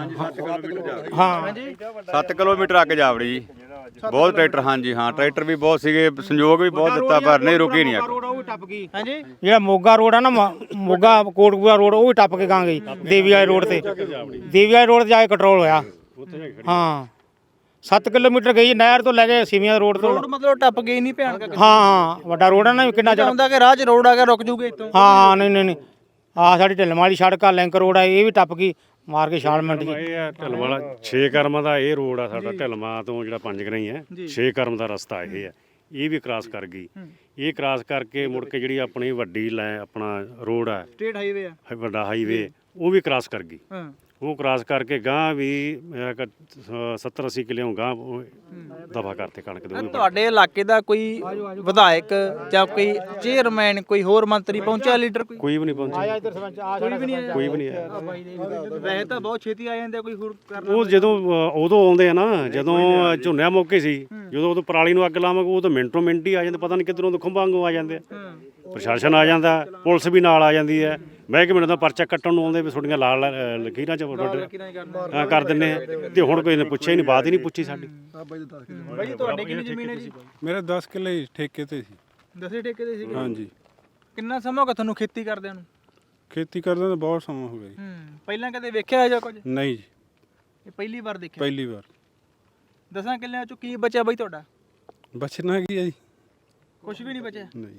Speaker 3: ਹਾਂ,
Speaker 7: ਸੱਤ ਕਿਲੋਮੀਟਰ ਅੱਗ ਜਾਵੜੀ ਜੀ। ਬਹੁਤ ਟਰੈਕਟਰ, ਹਾਂਜੀ ਹਾਂ, ਟਰੈਕਟਰ ਵੀ ਬਹੁਤ ਸੀਗੇ, ਸੰਯੋਗ ਵੀ ਬਹੁਤ ਦਿੱਤਾ, ਪਰ ਨਹੀਂ ਰੁਕੀ ਨਹੀਂ ਅੱਗ।
Speaker 3: ਰੋਡ ਉਹ ਵੀ ਟੱਪ ਗਈ।
Speaker 2: ਹਾਂਜੀ।
Speaker 3: ਜਿਹੜਾ ਮੋਗਾ ਰੋਡ ਆ ਨਾ, ਮ- ਮੋਗਾ ਕੋਟਕਪੂਰਾ ਰੋਡ, ਉਹ ਵੀ ਟੱਪ ਕੇ ਗਾਂ ਗਈ ਦੇਵੀ ਵਾਲੇ ਰੋਡ ਤੇ। ਦੇਵੀ ਵਾਲੇ ਰੋਡ ਤੇ ਜਾ ਕੇ ਕੰਟਰੋਲ ਹੋਇਆ। ਹਾਂ, ਸੱਤ ਕਿਲੋਮੀਟਰ ਗਈ ਨਹਿਰ ਤੋਂ ਲੈ ਕੇ ਸਿਵੀਆਂ ਰੋਡ ਤੋਂ।
Speaker 2: ਰੋਡ ਮਤਲਬ ਟੱਪ ਗਈ ਨਹੀਂ ਭਿਆਨਕ?
Speaker 3: ਹਾਂ ਹਾਂ, ਵੱਡਾ ਰੋਡ ਆ ਨਾ, ਕਿੰਨਾ ਚਿਰ।
Speaker 2: ਹੁੰਦਾ ਕਿ ਰਾਹ 'ਚ ਰੋਡ ਆ ਗਿਆ, ਰੁਕ ਜੂਗੇ ਇੱਥੋਂ?
Speaker 3: ਹਾਂ ਹਾਂ, ਨਹੀਂ ਨਹੀਂ ਨਹੀਂ, ਆਹ ਸਾਡੀ ਢਿੱਲਮ ਵਾਲੀ ਸੜਕ ਆ, ਲਿੰਕ ਰੋਡ ਆ, ਇਹ ਵੀ ਟੱਪ ਗਈ ਮਾਰ ਕੇ ਛਾਲ ਮਿੰਟ ਜੀ।
Speaker 1: ਇਹ ਆ ਢਿਲਮ ਵਾਲਾ ਛੇ ਕਰਮਾਂ ਦਾ ਇਹ ਰੋਡ ਆ ਸਾਡਾ, ਢਿਲਮਾਂ ਤੋਂ ਜਿਹੜਾ ਪੰਜ ਗਰਾਈ ਹੈ, ਛੇ ਕਰਮ ਦਾ ਰਸਤਾ ਇਹ ਹੈ। ਇਹ ਵੀ ਕ੍ਰਾਸ ਕਰ ਗਈ। ਇਹ ਕ੍ਰਾਸ ਕਰਕੇ ਮੁੜ ਕੇ ਜਿਹੜੀ ਆਪਣੀ ਵੱਡੀ ਲੈ ਆਪਣਾ ਰੋਡ ਆ,
Speaker 2: ਸਟੇਟ ਹਾਈਵੇ ਆ,
Speaker 1: ਵੱਡਾ ਹਾਈਵੇ, ਉਹ ਵੀ ਕ੍ਰਾਸ ਕਰ ਗਈ।
Speaker 2: ਹਾਂ।
Speaker 1: ਉਹ ਕ੍ਰਾਸ ਕਰਕੇ ਗਾਂ ਵੀ ਸੱਤਰ ਅੱਸੀ ਕਿੱਲਿਓਂ ਗਾਂ ਦਫਾ ਕਰਤੇ ਕਣਕ ਦੇ ਉਹ ਵੀ।
Speaker 2: ਤੁਹਾਡੇ ਇਲਾਕੇ ਦਾ ਕੋਈ ਵਿਧਾਇਕ ਜਾਂ ਕੋਈ ਚੇਅਰਮੈਨ ਕੋਈ ਹੋਰ ਮੰਤਰੀ ਪਹੁੰਚਿਆ ਲੀਡਰ ਕੋਈ
Speaker 1: ਕੋਈ ਵੀ ਨਹੀਂ ਪਹੁੰਚਿਆ,
Speaker 2: ਕੋਈ ਵੀ ਨਹੀਂ ਆਇਆ
Speaker 1: ਕੋਈ ਵੀ ਨਹੀਂ ਆਇਆ।
Speaker 2: ਵੈਸੇ ਤਾਂ ਬਹੁਤ ਛੇਤੀ ਆ ਜਾਂਦੇ ਕੋਈ ਹੋਰ ਕਰਨਾ
Speaker 1: ਉਹ ਜਦੋਂ ਅ, ਉਦੋਂ ਆਉਂਦੇ ਆ ਨਾ ਜਦੋਂ ਝੋਨਿਆਂ ਮੌਕੇ ਸੀ, ਜਦੋਂ ਉਦੋਂ ਪਰਾਲੀ ਨੂੰ ਅੱਗ ਲਾਵਾਂਗੇ ਉਹ ਤਾਂ ਮਿੰਟੋ ਮਿੰਟ ਹੀ ਆ ਜਾਂਦੇ, ਪਤਾ ਨਹੀਂ ਕਿੱਧਰੋਂ ਤੋਂ ਖੰਭਾਂ ਵਾਂਗੂ ਆ ਜਾਂਦੇ ਆ। ਪ੍ਰਸ਼ਾਸਨ ਆ ਜਾਂਦਾ, ਪੁਲਿਸ ਵੀ ਨਾਲ ਆ ਜਾਂਦੀ ਹੈ, ਮਹਿਕਮੇ ਦਾ ਪਰਚਾ ਕੱਟਣ ਨੂੰ ਆਉਂਦੇ ਵੀ ਤੁਹਾਡੀਆਂ ਲਾਲ ਲਾਲ, ਅ, ਲਕੀਰਾਂ 'ਚ ਹਾਂ ਕਰ ਦਿੰਦੇ ਆ। ਤੇ ਹੁਣ ਕੋਈ ਨੇ ਪੁੱਛਿਆ ਹੀ ਨਹੀਂ, ਬਾਤ ਹੀ ਨਹੀਂ ਪੁੱਛੀ ਸਾਡੀ।
Speaker 2: ਬਾਈ ਜੀ ਤੁਹਾਡੀ ਕਿੰਨੀ ਜ਼ਮੀਨ ਹੈ ਜੀ?
Speaker 8: ਮੇਰੇ ਦਸ ਕਿੱਲੇ ਠੇਕੇ ਤੇ ਸੀ।
Speaker 2: ਦਸੇ ਠੇਕੇ ਦੇ ਸੀਗੇ?
Speaker 8: ਹਾਂਜੀ।
Speaker 2: ਕਿੰਨਾ ਸਮਾਂ ਹੋ ਗਿਆ ਤੁਹਾਨੂੰ ਖੇਤੀ ਕਰਦਿਆਂ ਨੂੰ?
Speaker 8: ਖੇਤੀ ਕਰਦਾ ਤਾਂ ਬਹੁਤ ਸਮਾਂ ਹੋ ਗਿਆ ਜੀ।
Speaker 2: ਹੂੰ ਪਹਿਲਾਂ ਕਦੇ ਵੇਖਿਆ ਜਾਂ ਕੁਝ?
Speaker 8: ਨਹੀਂ ਜੀ,
Speaker 2: ਇਹ ਪਹਿਲੀ ਵਾਰ ਦੇਖਿਆ?
Speaker 8: ਪਹਿਲੀ ਵਾਰ।
Speaker 2: ਦਸਾਂ ਕਿੱਲਿਆਂ ਚੋਂ ਕੀ ਬਚਿਆ ਬਾਈ ਤੁਹਾਡਾ?
Speaker 8: ਬਚਣਾ ਕੀ ਹੈ ਜੀ?
Speaker 2: ਕੁਝ ਵੀ ਨਹੀਂ ਬਚਿਆ?
Speaker 8: ਨਹੀਂ।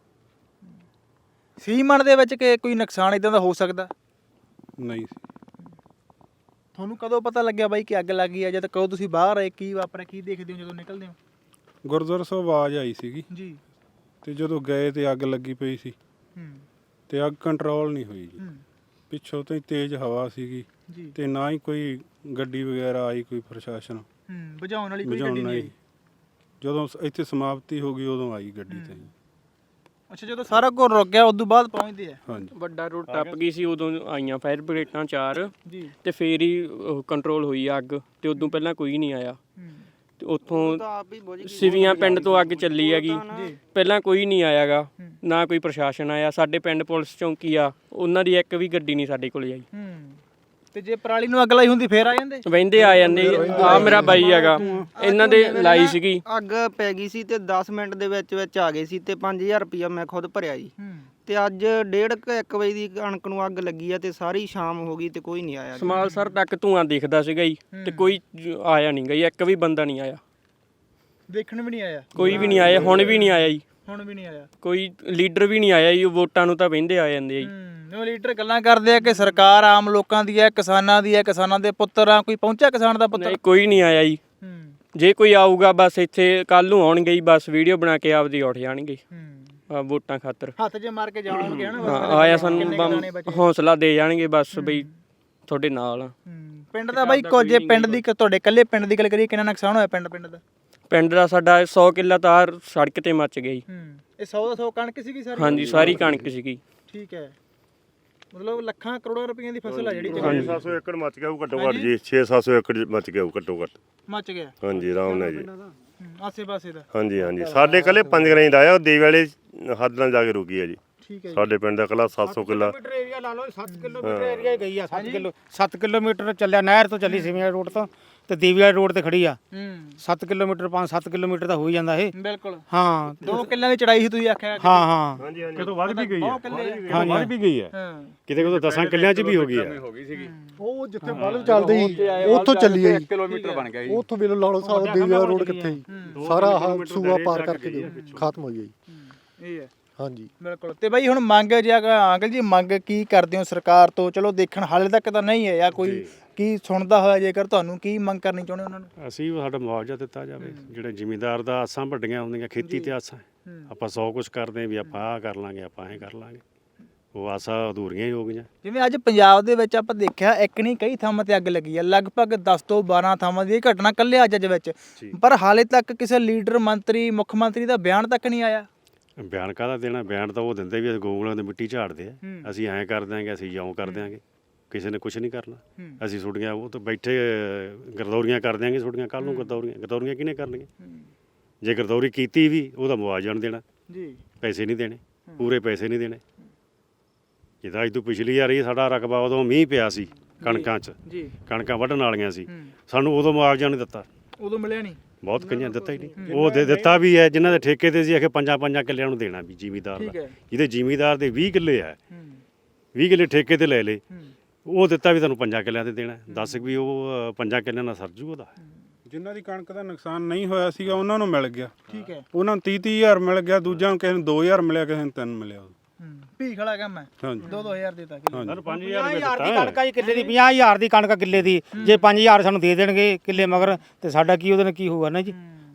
Speaker 2: ਸੀਮਨ ਦੇ ਵਿੱਚ ਕਿ ਕੋਈ ਨੁਕਸਾਨ ਇਦਾਂ ਦਾ ਹੋ ਸਕਦਾ?
Speaker 8: ਨਹੀਂ।
Speaker 2: ਤੁਹਾਨੂੰ ਕਦੋਂ ਪਤਾ ਲੱਗਿਆ ਬਾਈ ਕਿ ਅੱਗ ਲੱਗ ਗਈ ਆ? ਜਦ ਕਦੋਂ ਤੁਸੀਂ ਬਾਹਰ ਆਏ, ਕੀ ਵਾਪਰਿਆ, ਕੀ ਦੇਖਦੇ ਹੋ ਜਦੋਂ ਨਿਕਲਦੇ ਹੋ?
Speaker 8: ਗੁਰਦੁਆਰਾ ਸਾਹਿਬ ਆਵਾਜ਼ ਆਈ ਸੀਗੀ
Speaker 2: ਜੀ।
Speaker 8: ਤੇ ਜਦੋਂ ਗਏ ਤੇ ਅੱਗ ਲੱਗੀ ਪਈ ਸੀ
Speaker 2: ਹੂੰ
Speaker 8: ਤੇ ਅੱਗ ਕੰਟਰੋਲ ਨਹੀਂ ਹੋਈ ਜੀ।
Speaker 2: ਹੂੰ
Speaker 8: ਪਿੱਛੋਂ ਤੋਂ ਹੀ ਤੇਜ਼ ਹਵਾ ਸੀਗੀ
Speaker 2: ਜੀ।
Speaker 8: ਤੇ ਨਾ ਹੀ ਕੋਈ ਗੱਡੀ ਵਗੈਰਾ ਆਈ, ਕੋਈ ਪ੍ਰਸ਼ਾਸਨ
Speaker 2: ਹੂੰ ਬੁਝਾਉਣ ਵਾਲੀ ਕੋਈ
Speaker 8: ਬੁਝਾਉਣ
Speaker 2: ਗੱਡੀ ਨਹੀਂ
Speaker 8: ਆਈ।
Speaker 2: ਆਈ?
Speaker 8: ਜਦੋਂ ਸ- ਇੱਥੇ ਸਮਾਪਤੀ ਹੋ ਗਈ ਉਦੋਂ ਆਈ ਗੱਡੀ ਤੇ।
Speaker 2: ਅੱਛਾ ਜਦੋਂ ਸਾਰਾ ਕੁਝ ਰੁਕ ਗਿਆ ਉਦੋਂ ਬਾਅਦ ਪਹੁੰਚਦੇ ਆ?
Speaker 8: ਹਾਂਜੀ।
Speaker 4: ਵੱਡਾ ਰੋਡ ਟੱਪ ਗਈ ਸੀ, ਉਦੋਂ ਆਈਆਂ ਫਾਇਰ ਬ੍ਰਿਗੇਡਾਂ ਚਾਰ
Speaker 2: ਜੀ।
Speaker 4: ਤੇ ਫੇਰ ਹੀ ਕੰਟਰੋਲ ਹੋਈ ਅੱਗ, ਤੇ ਉਦੋਂ ਪਹਿਲਾਂ ਕੋਈ ਨਹੀਂ ਆਇਆ।
Speaker 2: ਹੂੰ
Speaker 4: ਤੇ ਉੱਥੋਂ ਸਿਵੀਆਂ ਪਿੰਡ ਤੋਂ ਅੱਗ ਚੱਲੀ ਹੈਗੀ, ਪਹਿਲਾਂ ਕੋਈ ਨਹੀਂ ਆਇਆਗਾ, ਨਾ ਕੋਈ ਪ੍ਰਸ਼ਾਸਨ ਆਇਆ। ਸਾਡੇ ਪਿੰਡ ਪੁਲਿਸ ਚੌਂਕੀ ਆ, ਉਹਨਾਂ ਦੀ ਇੱਕ ਵੀ ਗੱਡੀ ਨਹੀਂ ਸਾਡੇ ਕੋਲ ਆਈ।
Speaker 2: ਹੂੰ ਤੇ ਜੇ ਪਰਾਲੀ ਨੂੰ ਅੱਗ ਲਾਈ ਹੁੰਦੀ ਫੇਰ ਆ ਜਾਂਦੇ?
Speaker 4: ਵਹਿੰਦੇ ਆ ਜਾਂਦੇ। ਆ ਮੇਰਾ ਬਾਈ ਹੈਗਾ, ਇਹਨਾਂ ਦੇ ਲਾਈ ਸੀਗੀ।
Speaker 9: ਅੱਗ ਪੈ ਗਈ ਸੀ ਤੇ ਦਸ ਮਿੰਟ ਦੇ ਵਿੱਚ ਵਿੱਚ ਆ ਗਏ ਸੀ ਤੇ ਪੰਜ ਹਜ਼ਾਰ ਰੁਪਇਆ ਮੈਂ ਖੁਦ ਭਰਿਆ ਜੀ।
Speaker 2: ਹੂੰ
Speaker 9: ਤੇ ਅੱਜ ਡੇਢ ਕੁ ਇੱਕ ਵਜੇ ਦੀ ਕਣਕ ਨੂੰ ਅੱਗ ਲੱਗੀ ਆ ਤੇ ਸਾਰੀ ਸ਼ਾਮ ਹੋ ਗਈ ਤੇ ਕੋਈ ਨਹੀਂ ਆਇਆ ਜੀ।
Speaker 4: ਸਮਾਲਸਰ ਤੱਕ ਧੂਆਂ ਦਿਖਦਾ ਸੀਗਾ ਜੀ, ਤੇ ਕੋਈ ਜ- ਆਇਆ ਨਹੀਂ ਗਈ, ਇੱਕ ਵੀ ਬੰਦਾ ਨਹੀਂ ਆਇਆ,
Speaker 2: ਦੇਖਣ ਵੀ ਨਹੀਂ ਆਇਆ?
Speaker 4: ਕੋਈ ਵੀ ਨਹੀਂ ਆਇਆ, ਹੁਣ ਵੀ ਨਹੀਂ ਆਇਆ ਜੀ,
Speaker 2: ਹੁਣ ਵੀ ਨਹੀਂ ਆਇਆ?
Speaker 4: ਕੋਈ ਲੀਡਰ ਵੀ ਨਹੀਂ ਆਇਆ ਜੀ। ਉਹ ਵੋਟਾਂ ਨੂੰ ਤਾਂ ਵਹਿੰਦੇ ਆ ਜਾਂਦੇ ਆ ਜੀ।
Speaker 2: ਹੂੰ ਉਹ ਲੀਡਰ ਗੱਲਾਂ ਕਰਦੇ ਆ ਕਿ ਸਰਕਾਰ ਆਮ ਲੋਕਾਂ ਦੀ ਹੈ, ਕਿਸਾਨਾਂ ਦੀ ਹੈ, ਕਿਸਾਨਾਂ ਦੇ ਪੁੱਤਰ ਆ। ਕੋਈ ਪਹੁੰਚਿਆ ਕਿਸਾਨ ਦਾ ਪੁੱਤਰ?
Speaker 4: ਨਹੀਂ ਕੋਈ ਨਹੀਂ ਆਇਆ ਜੀ।
Speaker 2: ਹੂੰ
Speaker 4: ਜੇ ਕੋਈ ਆਊਗਾ ਬਸ ਇੱਥੇ ਕੱਲ ਨੂੰ ਆਉਣਗੇ ਜੀ, ਬਸ ਵੀਡੀਓ ਬਣਾ ਕੇ ਆਪਦੀ ਉੱਠ ਜਾਣਗੇ
Speaker 2: ਹੂੰ
Speaker 4: ਆ ਵੋਟਾਂ ਖਾਤਰ।
Speaker 2: ਹੱਥ ਜੇ ਮਾਰ ਕੇ ਜਾਣਗੇ ਹਨਾ?
Speaker 4: ਹਾਂ ਆਇਆ ਸਾਨੂੰ ਬਸ ਹੌਸਲਾ ਦੇ ਜਾਣਗੇ ਬਸ ਬਈ ਤੁਹਾਡੇ ਨਾਲ ਆ।
Speaker 2: ਹੂੰ ਪਿੰਡ ਦਾ ਬਾਈ ਕੁਝ ਜੇ ਪਿੰਡ ਦੀ ਤੁਹਾਡੇ ਇਕੱਲੇ ਪਿੰਡ ਦੀ ਗੱਲ ਕਰੀਏ, ਕਿੰਨਾ ਨੁਕਸਾਨ ਹੋਇਆ ਪਿੰਡ ਪਿੰਡ ਦਾ?
Speaker 4: ਪਿੰਡ ਦਾ ਸਾਡਾ ਸੌ ਕਿੱਲਾ ਤਾਰ ਸੜਕ ਤੇ ਮੱਚ ਗਈ।
Speaker 2: ਹੂੰ ਇਹ ਸੌ ਦਾ ਸੌ ਕਣਕ ਸੀਗੀ ਸਾਰੀ?
Speaker 4: ਹਾਂਜੀ ਸਾਰੀ ਕਣਕ ਸੀਗੀ।
Speaker 2: ਠੀਕ ਹੈ, ਮਤਲਬ ਲੱਖਾਂ ਕਰੋੜਾਂ ਰੁਪਈਆਂ ਦੀ ਫਸਲ ਆ ਜਿਹੜੀ
Speaker 5: ਛੇ ਸੱਤ ਸੌ ਏਕੜ ਮੱਚ ਗਿਆ ਉਹ ਘੱਟੋ ਘੱਟ ਜੀ। ਛੇ ਸੱਤ ਸੌ ਏਕੜ ਮੱਚ ਗਿਆ ਉਹ ਘੱਟੋ ਘੱਟ।
Speaker 2: ਮੱਚ ਗਿਆ?
Speaker 5: ਹਾਂਜੀ ਆਰਾਮ ਨਾਲ ਜੀ।
Speaker 2: ਆਸੇ ਪਾਸੇ ਦਾ?
Speaker 5: ਹਾਂਜੀ ਹਾਂਜੀ ਸਾਡੇ ਕੱਲੇ ਪੰਜ ਗਰਾਈ ਦਾ ਆਇਆ, ਉਹ ਦੇਵ ਵਾਲੇ ਹੱਦ ਨਾਲ ਜਾ ਕੇ ਰੁਕੀ ਹੈ ਜੀ।
Speaker 2: ਠੀਕ ਹੈ ਜੀ।
Speaker 5: ਸਾਡੇ ਪਿੰਡ ਦਾ ਕੱਲਾ ਸੱਤ ਸੌ ਕਿੱਲਾ
Speaker 3: ਏਰੀਆ ਲਾ ਲਓ, ਸੱਤ ਕਿਲੋਮੀਟਰ ਏਰੀਆ ਹੀ ਗਈ ਆ। ਸੱਤ ਕਿਲੋ ਸੱਤ ਕਿਲੋਮੀਟਰ ਚੱਲਿਆ, ਨਹਿਰ ਤੋਂ ਚੱਲੀ ਸਿਵਿਆਂ ਰੋਡ ਤੋਂ ਤੇ ਦੀਵੀਆ ਰੋਡ ਤੇ ਖੜੀ ਆ।
Speaker 2: ਹੂੰ
Speaker 3: ਸੱਤ ਕਿਲੋਮੀਟਰ ਪੰਜ ਸੱਤ ਕਿਲੋਮੀਟਰ ਤਾਂ ਹੋ ਹੀ ਜਾਂਦਾ ਇਹ।
Speaker 2: ਬਿਲਕੁਲ।
Speaker 3: ਹਾਂ
Speaker 2: ਦੋ ਕਿੱਲਿਆਂ ਦੀ ਚੜਾਈ ਸੀ ਤੁਸੀਂ ਆਖਿਆ?
Speaker 3: ਹਾਂ ਹਾਂ
Speaker 5: ਹਾਂਜੀ ਹਾਂਜੀ
Speaker 1: ਕਿਤੋਂ ਵੱਧ ਵੀ ਗਈ ਹੈ,
Speaker 2: ਹਾਂ
Speaker 1: ਵੱਧ ਵੀ ਗਈ ਹੈ,
Speaker 2: ਹਾਂ
Speaker 1: ਕਿਤੇ ਕਿਤੇ ਦਸਾਂ ਕਿੱਲਿਆਂ 'ਚ ਵੀ ਹੋ ਗਈ ਹੈ।
Speaker 10: ਉਹ ਜਿੱਥੇ ਬਲਬ ਚੱਲਦੇ ਸੀ ਉੱਥੋਂ ਚੱਲੀ ਹੈ ਜੀ।
Speaker 7: ਕਿਲੋਮੀਟਰ ਬਣ ਗਿਆ ਜੀ।
Speaker 10: ਉੱਥੋਂ ਵੇਲੇ ਲਾਲੋ ਸਾਹਿਬ ਦੇਵਿਆ ਰੋਡ ਕਿੱਥੇ ਜੀ, ਸਾਰਾ ਆਹ ਸੂਆ ਪਾਰ ਕਰਕੇ ਦਿਓ, ਖਤਮ ਹੋਈ ਹੈ ਜੀ।
Speaker 2: ਇਹ ਹੈ
Speaker 10: ਹਾਂਜੀ
Speaker 2: ਬਿਲਕੁਲ। ਤੇ ਬਾਈ ਹੁਣ ਮੰਗ ਜੇ ਅੰਕਲ ਜੀ ਮੰਗ ਕੀ ਕਰਦੇ ਹੋ ਸਰਕਾਰ ਤੋਂ? ਚਲੋ ਦੇਖਣ ਹਾਲੇ ਤੱਕ ਤਾਂ ਨਹੀਂ ਹੈ ਜਾਂ ਕੋਈ ਕੀ ਸੁਣਦਾ ਹੋਇਆ, ਜੇਕਰ ਤੁਹਾਨੂੰ ਕੀ ਮੰਗ ਕਰਨੀ ਚਾਹੁੰਦੇ ਉਹਨਾਂ ਨੂੰ?
Speaker 1: ਅਸੀਂ ਸਾਡਾ ਮੁਆਵਜ਼ਾ ਦਿੱਤਾ ਜਾਵੇ। ਜਿਹੜੇ ਜ਼ਿਮੀਂਦਾਰ ਦਾ ਆਸਾਂ ਵੱਡੀਆਂ ਹੁੰਦੀਆਂ, ਖੇਤੀ ਤੇ ਆਸਾਂ, ਆਪਾਂ ਸੌ ਕੁਛ ਕਰਦੇ ਹਾਂ ਵੀ ਆਪਾਂ ਆਹ ਕਰ ਲਾਂਗੇ, ਆਪਾਂ ਐਂ ਕਰ ਲਾਂਗੇ, ਉਹ ਆਸਾਂ ਅਧੂਰੀਆਂ ਹੀ ਹੋ ਗਈਆਂ।
Speaker 2: ਜਿਵੇਂ ਅੱਜ ਪੰਜਾਬ ਦੇ ਵਿੱਚ ਆਪਾਂ ਦੇਖਿਆ ਇੱਕ ਨਹੀਂ ਕਈ ਥਾਵਾਂ ਤੇ ਅੱਗ ਲੱਗੀ ਹੈ, ਲਗਭਗ ਦਸ ਤੋਂ ਬਾਰਾਂ ਥਾਵਾਂ ਦੀ ਇਹ ਘਟਨਾ ਕੱਲੇ ਅੱਜ ਅੱਜ ਵਿੱਚ, ਪਰ ਹਾਲੇ ਤੱਕ ਕਿਸੇ ਲੀਡਰ ਮੰਤਰੀ ਮੁੱਖ ਮੰਤਰੀ ਦਾ ਬਿਆਨ ਤੱਕ ਨਹੀਂ ਆਇਆ।
Speaker 1: ਬਿਆਨ ਕਾਹਦਾ ਦੇਣਾ? ਬਿਆਨ ਤਾਂ ਉਹ ਦਿੰਦੇ ਵੀ ਗੋਗਲਾਂ ਦੀ ਮਿੱਟੀ ਝਾੜਦੇ ਆ, ਅਸੀਂ ਐਂ ਕਰ ਦਿਆਂਗੇ, ਅਸੀਂ ਜਿਉਂ ਕਰ ਦਿਆਂਗੇ, ਕਿਸੇ ਨੇ ਕੁਝ ਨਹੀਂ ਕਰਨਾ। ਅਸੀਂ ਛੁੱਟੀਆਂ ਉਹ ਤਾਂ ਬੈਠੇ ਗਰਦੌਰੀਆਂ ਕਰ ਦਿਆਂਗੇ, ਛੁੱਟੀਆਂ ਕੱਲ ਨੂੰ ਗਰਦੌਰੀਆਂ ਗਰਦੌਰੀਆਂ ਕਿਹਨੇ ਕਰਨੀਆਂ? ਜੇ ਗਰਦੌਰੀ ਕੀਤੀ ਵੀ ਉਹਦਾ ਮੁਆਵਜ਼ਾ ਨਹੀਂ ਦੇਣਾ
Speaker 2: ਜੀ,
Speaker 1: ਪੈਸੇ ਨਹੀਂ ਦੇਣੇ, ਪੂਰੇ ਪੈਸੇ ਨਹੀਂ ਦੇਣੇ। ਜਿੱਦਾਂ ਅੱਜ ਤੋਂ ਪਿਛਲੀ ਵਾਰੀ ਸਾਡਾ ਰਕਬਾ ਉਦੋਂ ਮੀਂਹ ਪਿਆ ਸੀ ਕਣਕਾਂ 'ਚ,
Speaker 2: ਜੀ
Speaker 1: ਕਣਕਾਂ ਵੱਢਣ ਵਾਲੀਆਂ ਸੀ, ਸਾਨੂੰ ਉਦੋਂ ਮੁਆਵਜ਼ਾ ਨਹੀਂ ਦਿੱਤਾ।
Speaker 2: ਉਦੋਂ ਮਿਲਿਆ ਨਹੀਂ?
Speaker 1: ਬਹੁਤ ਕਈਆਂ ਦਿੱਤਾ ਹੀ ਨਹੀਂ। ਉਹ ਦੇ ਦਿੱਤਾ ਵੀ ਹੈ ਜਿਨ੍ਹਾਂ ਦੇ ਠੇਕੇ ਤੇ ਸੀ, ਆਖੇ ਪੰਜਾਂ ਪੰਜਾਂ ਕਿੱਲਿਆਂ ਨੂੰ ਦੇਣਾ ਵੀ ਜ਼ਿਮੀਂਦਾਰ ਦਾ। ਜਿਹਦੇ ਜ਼ਿਮੀਂਦਾਰ ਦੇ ਵੀਹ ਕਿੱਲੇ ਆ, ਵੀਹ ਕਿੱਲੇ ਠੇਕੇ ਤੇ ਲੈ ਲਏ, ਉਹ ਦਿੱਤਾ ਵੀ ਤੁਹਾਨੂੰ ਪੰਜਾਂ ਕਿੱਲਿਆਂ ਤੇ ਦੇਣਾ। ਦੱਸ ਵੀ ਉਹ ਪੰਜਾਂ ਕਿੱਲਿਆਂ ਨਾਲ ਸਰਜੂ ਉਹਦਾ?
Speaker 8: ਜਿਨ੍ਹਾਂ ਦੀ ਕਣਕ ਦਾ ਨੁਕਸਾਨ ਨਹੀਂ ਹੋਇਆ ਸੀਗਾ ਉਹਨਾਂ ਨੂੰ ਮਿਲ ਗਿਆ।
Speaker 2: ਠੀਕ ਹੈ।
Speaker 8: ਉਹਨਾਂ ਨੂੰ ਤੀਹ ਤੀਹ ਹਜ਼ਾਰ ਮਿਲ ਗਿਆ, ਦੂਜਿਆਂ ਨੂੰ ਕਿਸੇ ਨੂੰ ਦੋ ਹਜ਼ਾਰ ਮਿਲਿਆ, ਕਿਸੇ ਨੂੰ ਤਿੰਨ ਮਿਲਿਆ।
Speaker 2: ਭੀਖ ਵਾਲਾ ਕੰਮ ਹੈ।
Speaker 8: ਹਾਂਜੀ
Speaker 2: ਦੋ ਦੋ ਹਜ਼ਾਰ ਦਿੱਤਾ
Speaker 1: ਸਾਨੂੰ ਪੰਜ ਹਜ਼ਾਰ ਰੁਪਏ
Speaker 3: ਹਜ਼ਾਰ ਦੀ
Speaker 1: ਦਿੱਤਾ।
Speaker 3: ਕਣਕ ਆ ਜੀ ਕਿੱਲੇ ਦੀ, ਪੰਜਾਹ ਹਜ਼ਾਰ ਦੀ ਕਣਕ ਆ ਕਿੱਲੇ ਦੀ। ਜੇ ਪੰਜ ਹਜ਼ਾਰ ਸਾਨੂੰ ਦੇ ਦੇਣਗੇ ਕਿੱਲੇ ਮਗਰ ਤੇ ਸਾਡਾ ਕੀ ਉਹਦੇ ਨਾਲ ਕੀ ਹੋਊਗਾ ਨਾ ਜੀ?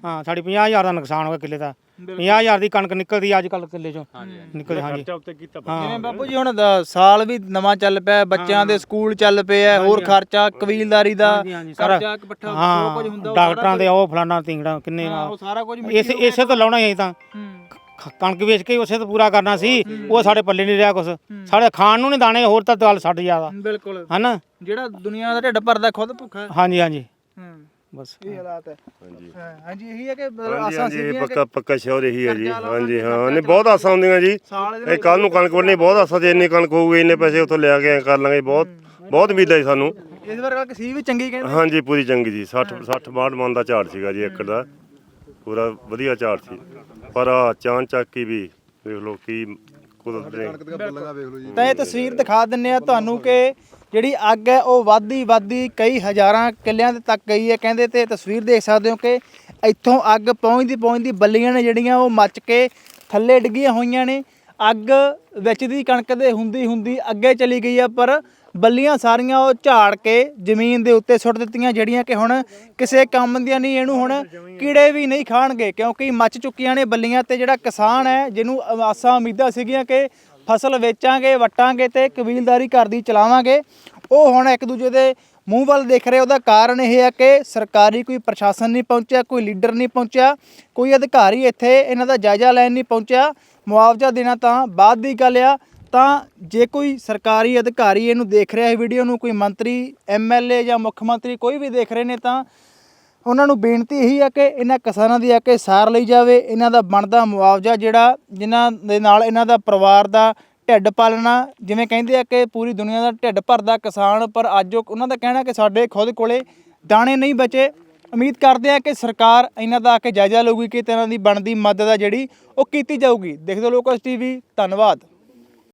Speaker 3: ਹਾਂ ਸਾਡੀ ਪੰਜਾਹ ਹਜ਼ਾਰ ਦਾ ਨੁਕਸਾਨ ਹੋ ਗਿਆ ਕਿੱਲੇ ਦਾ। ਪੰਜਾਹ ਹਜ਼ਾਰ ਦੀ ਕਣਕ ਨਿਕਲਦੀ ਅੱਜ ਕੱਲ ਕਿੱਲੇ ਚੋਂ ਨਿਕਲਦੀ। ਹਾਂਜੀ
Speaker 1: ਖਰਚਾ ਉੱਤੇ ਕੀਤਾ
Speaker 2: ਜਿਵੇਂ ਬਾਪੂ ਜੀ ਹੁਣ ਦ- ਸਾਲ ਵੀ ਨਵਾਂ ਚੱਲ ਪਿਆ, ਬੱਚਿਆਂ ਦੇ ਸਕੂਲ ਚੱਲ ਪਏ ਆ, ਹੋਰ ਖਰਚਾ ਕਬੀਲਦਾਰੀ ਦਾ ਖਰਚਾ ਇੱਕ ਪੱਠਾ ਜੋ ਕੁਝ ਹੁੰਦਾ
Speaker 3: ਹਾਂ
Speaker 2: ਉਹ
Speaker 3: ਡਾਕਟਰਾਂ ਦੇ ਉਹ ਫਲਾਣਾ ਤਿੰਗੜਾ ਕਿੰਨੇ
Speaker 2: ਹਾਂ, ਉਹ ਸਾਰਾ ਕੁਝ
Speaker 3: ਇਸੇ ਇਸੇ ਤੋਂ ਲਾਉਣਾ ਹੀ ਅਸੀਂ ਤਾਂ ਖ- ਕਣਕ ਵੇਚ ਕੇ ਹੀ ਉਸੇ ਤੋਂ ਪੂਰਾ ਕਰਨਾ ਸੀ। ਉਹ ਸਾਡੇ ਪੱਲੇ ਨਹੀਂ ਰਿਹਾ ਕੁਛ, ਸਾਡੇ ਖਾਣ ਨੂੰ ਨਹੀਂ ਦਾਣੇ, ਹੋਰ ਤਾਂ ਗੱਲ ਛੱਡ ਜ਼ਿਆਦਾ
Speaker 2: ਬਿਲਕੁਲ
Speaker 3: ਹਨਾ।
Speaker 2: ਜਿਹੜਾ ਦੁਨੀਆ ਦਾ ਢਿੱਡ ਭਰਦਾ ਖੁਦ ਭੁੱਖਾ ਹੈ।
Speaker 3: ਹਾਂਜੀ ਹਾਂਜੀ
Speaker 2: ਹੂੰ
Speaker 3: ਬਸ
Speaker 2: ਇਹ ਹਾਲਾਤ ਹੈ।
Speaker 5: ਹਾਂਜੀ
Speaker 2: ਹਾਂ, ਹਾਂਜੀ ਇਹੀ ਹੈ ਕਿ ਮਤਲਬ
Speaker 5: ਹਾਂਜੀ
Speaker 2: ਆਸਾਂ
Speaker 5: ਹਾਂਜੀ ਇਹ
Speaker 2: ਸੀਗੀਆਂ ਕਿ
Speaker 5: ਪੱਕਾ ਪੱਕਾ ਸ਼ੋਰ ਇਹੀ ਹੈ ਜੀ।
Speaker 2: ਕਰਜ਼ਾ ਲਾਉਣਾ,
Speaker 5: ਹਾਂਜੀ ਹਾਂ
Speaker 2: ਕਰਜ਼ਾ
Speaker 5: ਨਹੀਂ ਬਹੁਤ ਆਸਾਂ ਹੁੰਦੀਆਂ ਜੀ।
Speaker 2: ਸਾਲ ਇਹਦੇ
Speaker 5: ਇਹ ਕੱਲ ਨੂੰ ਕਣਕ ਵੱਢਣੀ ਬਹੁਤ ਆਸਾਂ ਤੇ ਇੰਨੀ ਕਣਕ ਹੋਊਗੀ ਇੰਨੇ ਪੈਸੇ ਉੱਥੋਂ ਲਿਆ ਕੇ ਐਂ ਕਰ ਲਾਂਗੇ। ਬਹੁਤ ਬਹੁਤ ਉਮੀਦ ਹੈ ਜੀ ਸਾਨੂੰ।
Speaker 2: ਇਸ ਵਾਰ ਗੱਲ ਸੀ ਵੀ ਚੰਗੀ ਕਹਿੰਦੇ।
Speaker 5: ਹਾਂਜੀ ਪੂਰੀ ਚੰਗੀ ਜੀ। ਸੱਠ ਸੱਠ ਬਾਹਠ ਮਣ ਦਾ ਝਾੜ ਸੀਗਾ ਜੀ ਏਕੜ ਦਾ, ਪੂਰਾ ਵਧੀਆ ਝਾੜ ਸੀ। ਪਰ ਆ ਚਾਂ ਚੱਕ ਹੀ ਵੀ ਵੇਖ ਲਓ ਕੀ ਕੁਦਰਤ ਨੇ।
Speaker 6: ਕਣਕ ਦੀਆਂ ਬੱਲੀਆਂ ਵੇਖ ਲਓ ਜੀ।
Speaker 2: ਤਾਂ ਇਹ ਤਸਵੀਰ ਦਿਖਾ ਦਿੰਨੇ ਆ ਤੁਹਾਨੂੰ ਕਿ ਜਿਹੜੀ ਅੱਗ ਹੈ ਉਹ ਵੱਧਦੀ ਵੱਧਦੀ ਕਈ ਹਜ਼ਾਰਾਂ ਕਿੱਲਿਆਂ ਦੇ ਤੱਕ ਗਈ ਹੈ ਕਹਿੰਦੇ। ਤੇ ਤਸਵੀਰ ਦੇਖ ਸਕਦੇ ਹੋ ਕਿ ਇੱਥੋਂ ਅੱਗ ਪਹੁੰਚਦੀ ਪਹੁੰਚਦੀ ਬੱਲੀਆਂ ਨੇ ਜਿਹੜੀਆਂ ਉਹ ਮੱਚ ਕੇ ਥੱਲੇ ਡਿੱਗੀਆਂ ਹੋਈਆਂ ਨੇ। ਅੱਗ ਵਿੱਚ ਦੀ ਕਣਕ ਦੇ ਹੁੰਦੀ ਹੁੰਦੀ ਅੱਗੇ ਚਲੀ ਗਈ ਆ, ਪਰ ਬੱਲੀਆਂ ਸਾਰੀਆਂ ਉਹ ਝਾੜ ਕੇ ਜ਼ਮੀਨ ਦੇ ਉੱਤੇ ਸੁੱਟ ਦਿੱਤੀਆਂ, ਜਿਹੜੀਆਂ ਕਿ ਹੁਣ ਕਿਸੇ ਕੰਮ ਦੀਆਂ ਨਹੀਂ। ਇਹਨੂੰ ਹੁਣ ਕੀੜੇ ਵੀ ਨਹੀਂ ਖਾਣਗੇ ਕਿਉਂਕਿ ਮੱਚ ਚੁੱਕੀਆਂ ਨੇ ਬੱਲੀਆਂ। ਤੇ ਜਿਹੜਾ ਕਿਸਾਨ ਹੈ ਜਿਹਨੂੰ ਆਸਾਂ ਉਮੀਦਾਂ ਸੀਗੀਆਂ ਕਿ ਫਸਲ ਵੇਚਾਂਗੇ, ਵਟਾਂਗੇ ਤੇ ਕਬੀਲਦਾਰੀ ਘਰ ਦੀ ਚਲਾਵਾਂਗੇ, ਉਹ ਹੁਣ ਇੱਕ ਦੂਜੇ ਦੇ ਮੂੰਹ ਵੱਲ ਦੇਖ ਰਹੇ। ਉਹਦਾ ਕਾਰਨ ਇਹ ਹੈ ਕਿ ਸਰਕਾਰੀ ਕੋਈ ਪ੍ਰਸ਼ਾਸਨ ਨਹੀਂ ਪਹੁੰਚਿਆ, ਕੋਈ ਲੀਡਰ ਨਹੀਂ ਪਹੁੰਚਿਆ, ਕੋਈ ਅਧਿਕਾਰੀ ਇੱਥੇ ਇਹਨਾਂ ਦਾ ਜਾਇਜ਼ਾ ਲੈਣ ਨਹੀਂ ਪਹੁੰਚਿਆ। ਮੁਆਵਜ਼ਾ ਦੇਣਾ ਤਾਂ ਬਾਅਦ ਦੀ ਗੱਲ ਆ। ਤਾਂ ਜੇ ਕੋਈ ਸਰਕਾਰੀ ਅਧਿਕਾਰੀ ਇਹਨੂੰ ਦੇਖ ਰਿਹਾ ਹੈ ਵੀਡੀਓ ਨੂੰ, ਕੋਈ ਮੰਤਰੀ, ਐਮ ਐਲ ਏ ਜਾਂ ਮੁੱਖ ਮੰਤਰੀ ਕੋਈ ਵੀ ਦੇਖ ਰਹੇ ਨੇ, ਤਾਂ ਉਹਨਾਂ ਨੂੰ ਬੇਨਤੀ ਇਹੀ ਹੈ ਕਿ ਇਹਨਾਂ ਕਿਸਾਨਾਂ ਦੀ ਆ ਕੇ ਸਾਰ ਲਈ ਜਾਵੇ। ਇਹਨਾਂ ਦਾ ਬਣਦਾ ਮੁਆਵਜ਼ਾ ਜਿਹੜਾ ਜਿਨ੍ਹਾਂ ਦੇ ਨਾਲ ਇਹਨਾਂ ਦਾ ਪਰਿਵਾਰ ਦਾ ਢਿੱਡ ਪਾਲਣਾ, ਜਿਵੇਂ ਕਹਿੰਦੇ ਆ ਕਿ ਪੂਰੀ ਦੁਨੀਆ ਦਾ ਢਿੱਡ ਭਰਦਾ ਕਿਸਾਨ, ਪਰ ਅੱਜ ਉਹ ਉਹਨਾਂ ਦਾ ਕਹਿਣਾ ਕਿ ਸਾਡੇ ਖੁਦ ਕੋਲੇ ਦਾਣੇ ਨਹੀਂ ਬਚੇ। ਉਮੀਦ ਕਰਦੇ ਆ ਕਿ ਸਰਕਾਰ ਇਹਨਾਂ ਦਾ ਆ ਕੇ ਜਾਇਜ਼ਾ ਲਊਗੀ ਕਿ ਇਹਨਾਂ ਦੀ ਬਣਦੀ ਮਦਦ ਆ ਜਿਹੜੀ ਉਹ ਕੀਤੀ ਜਾਊਗੀ। ਦੇਖਦੇ ਲੋਕਸ ਟੀਵੀ, ਧੰਨਵਾਦ।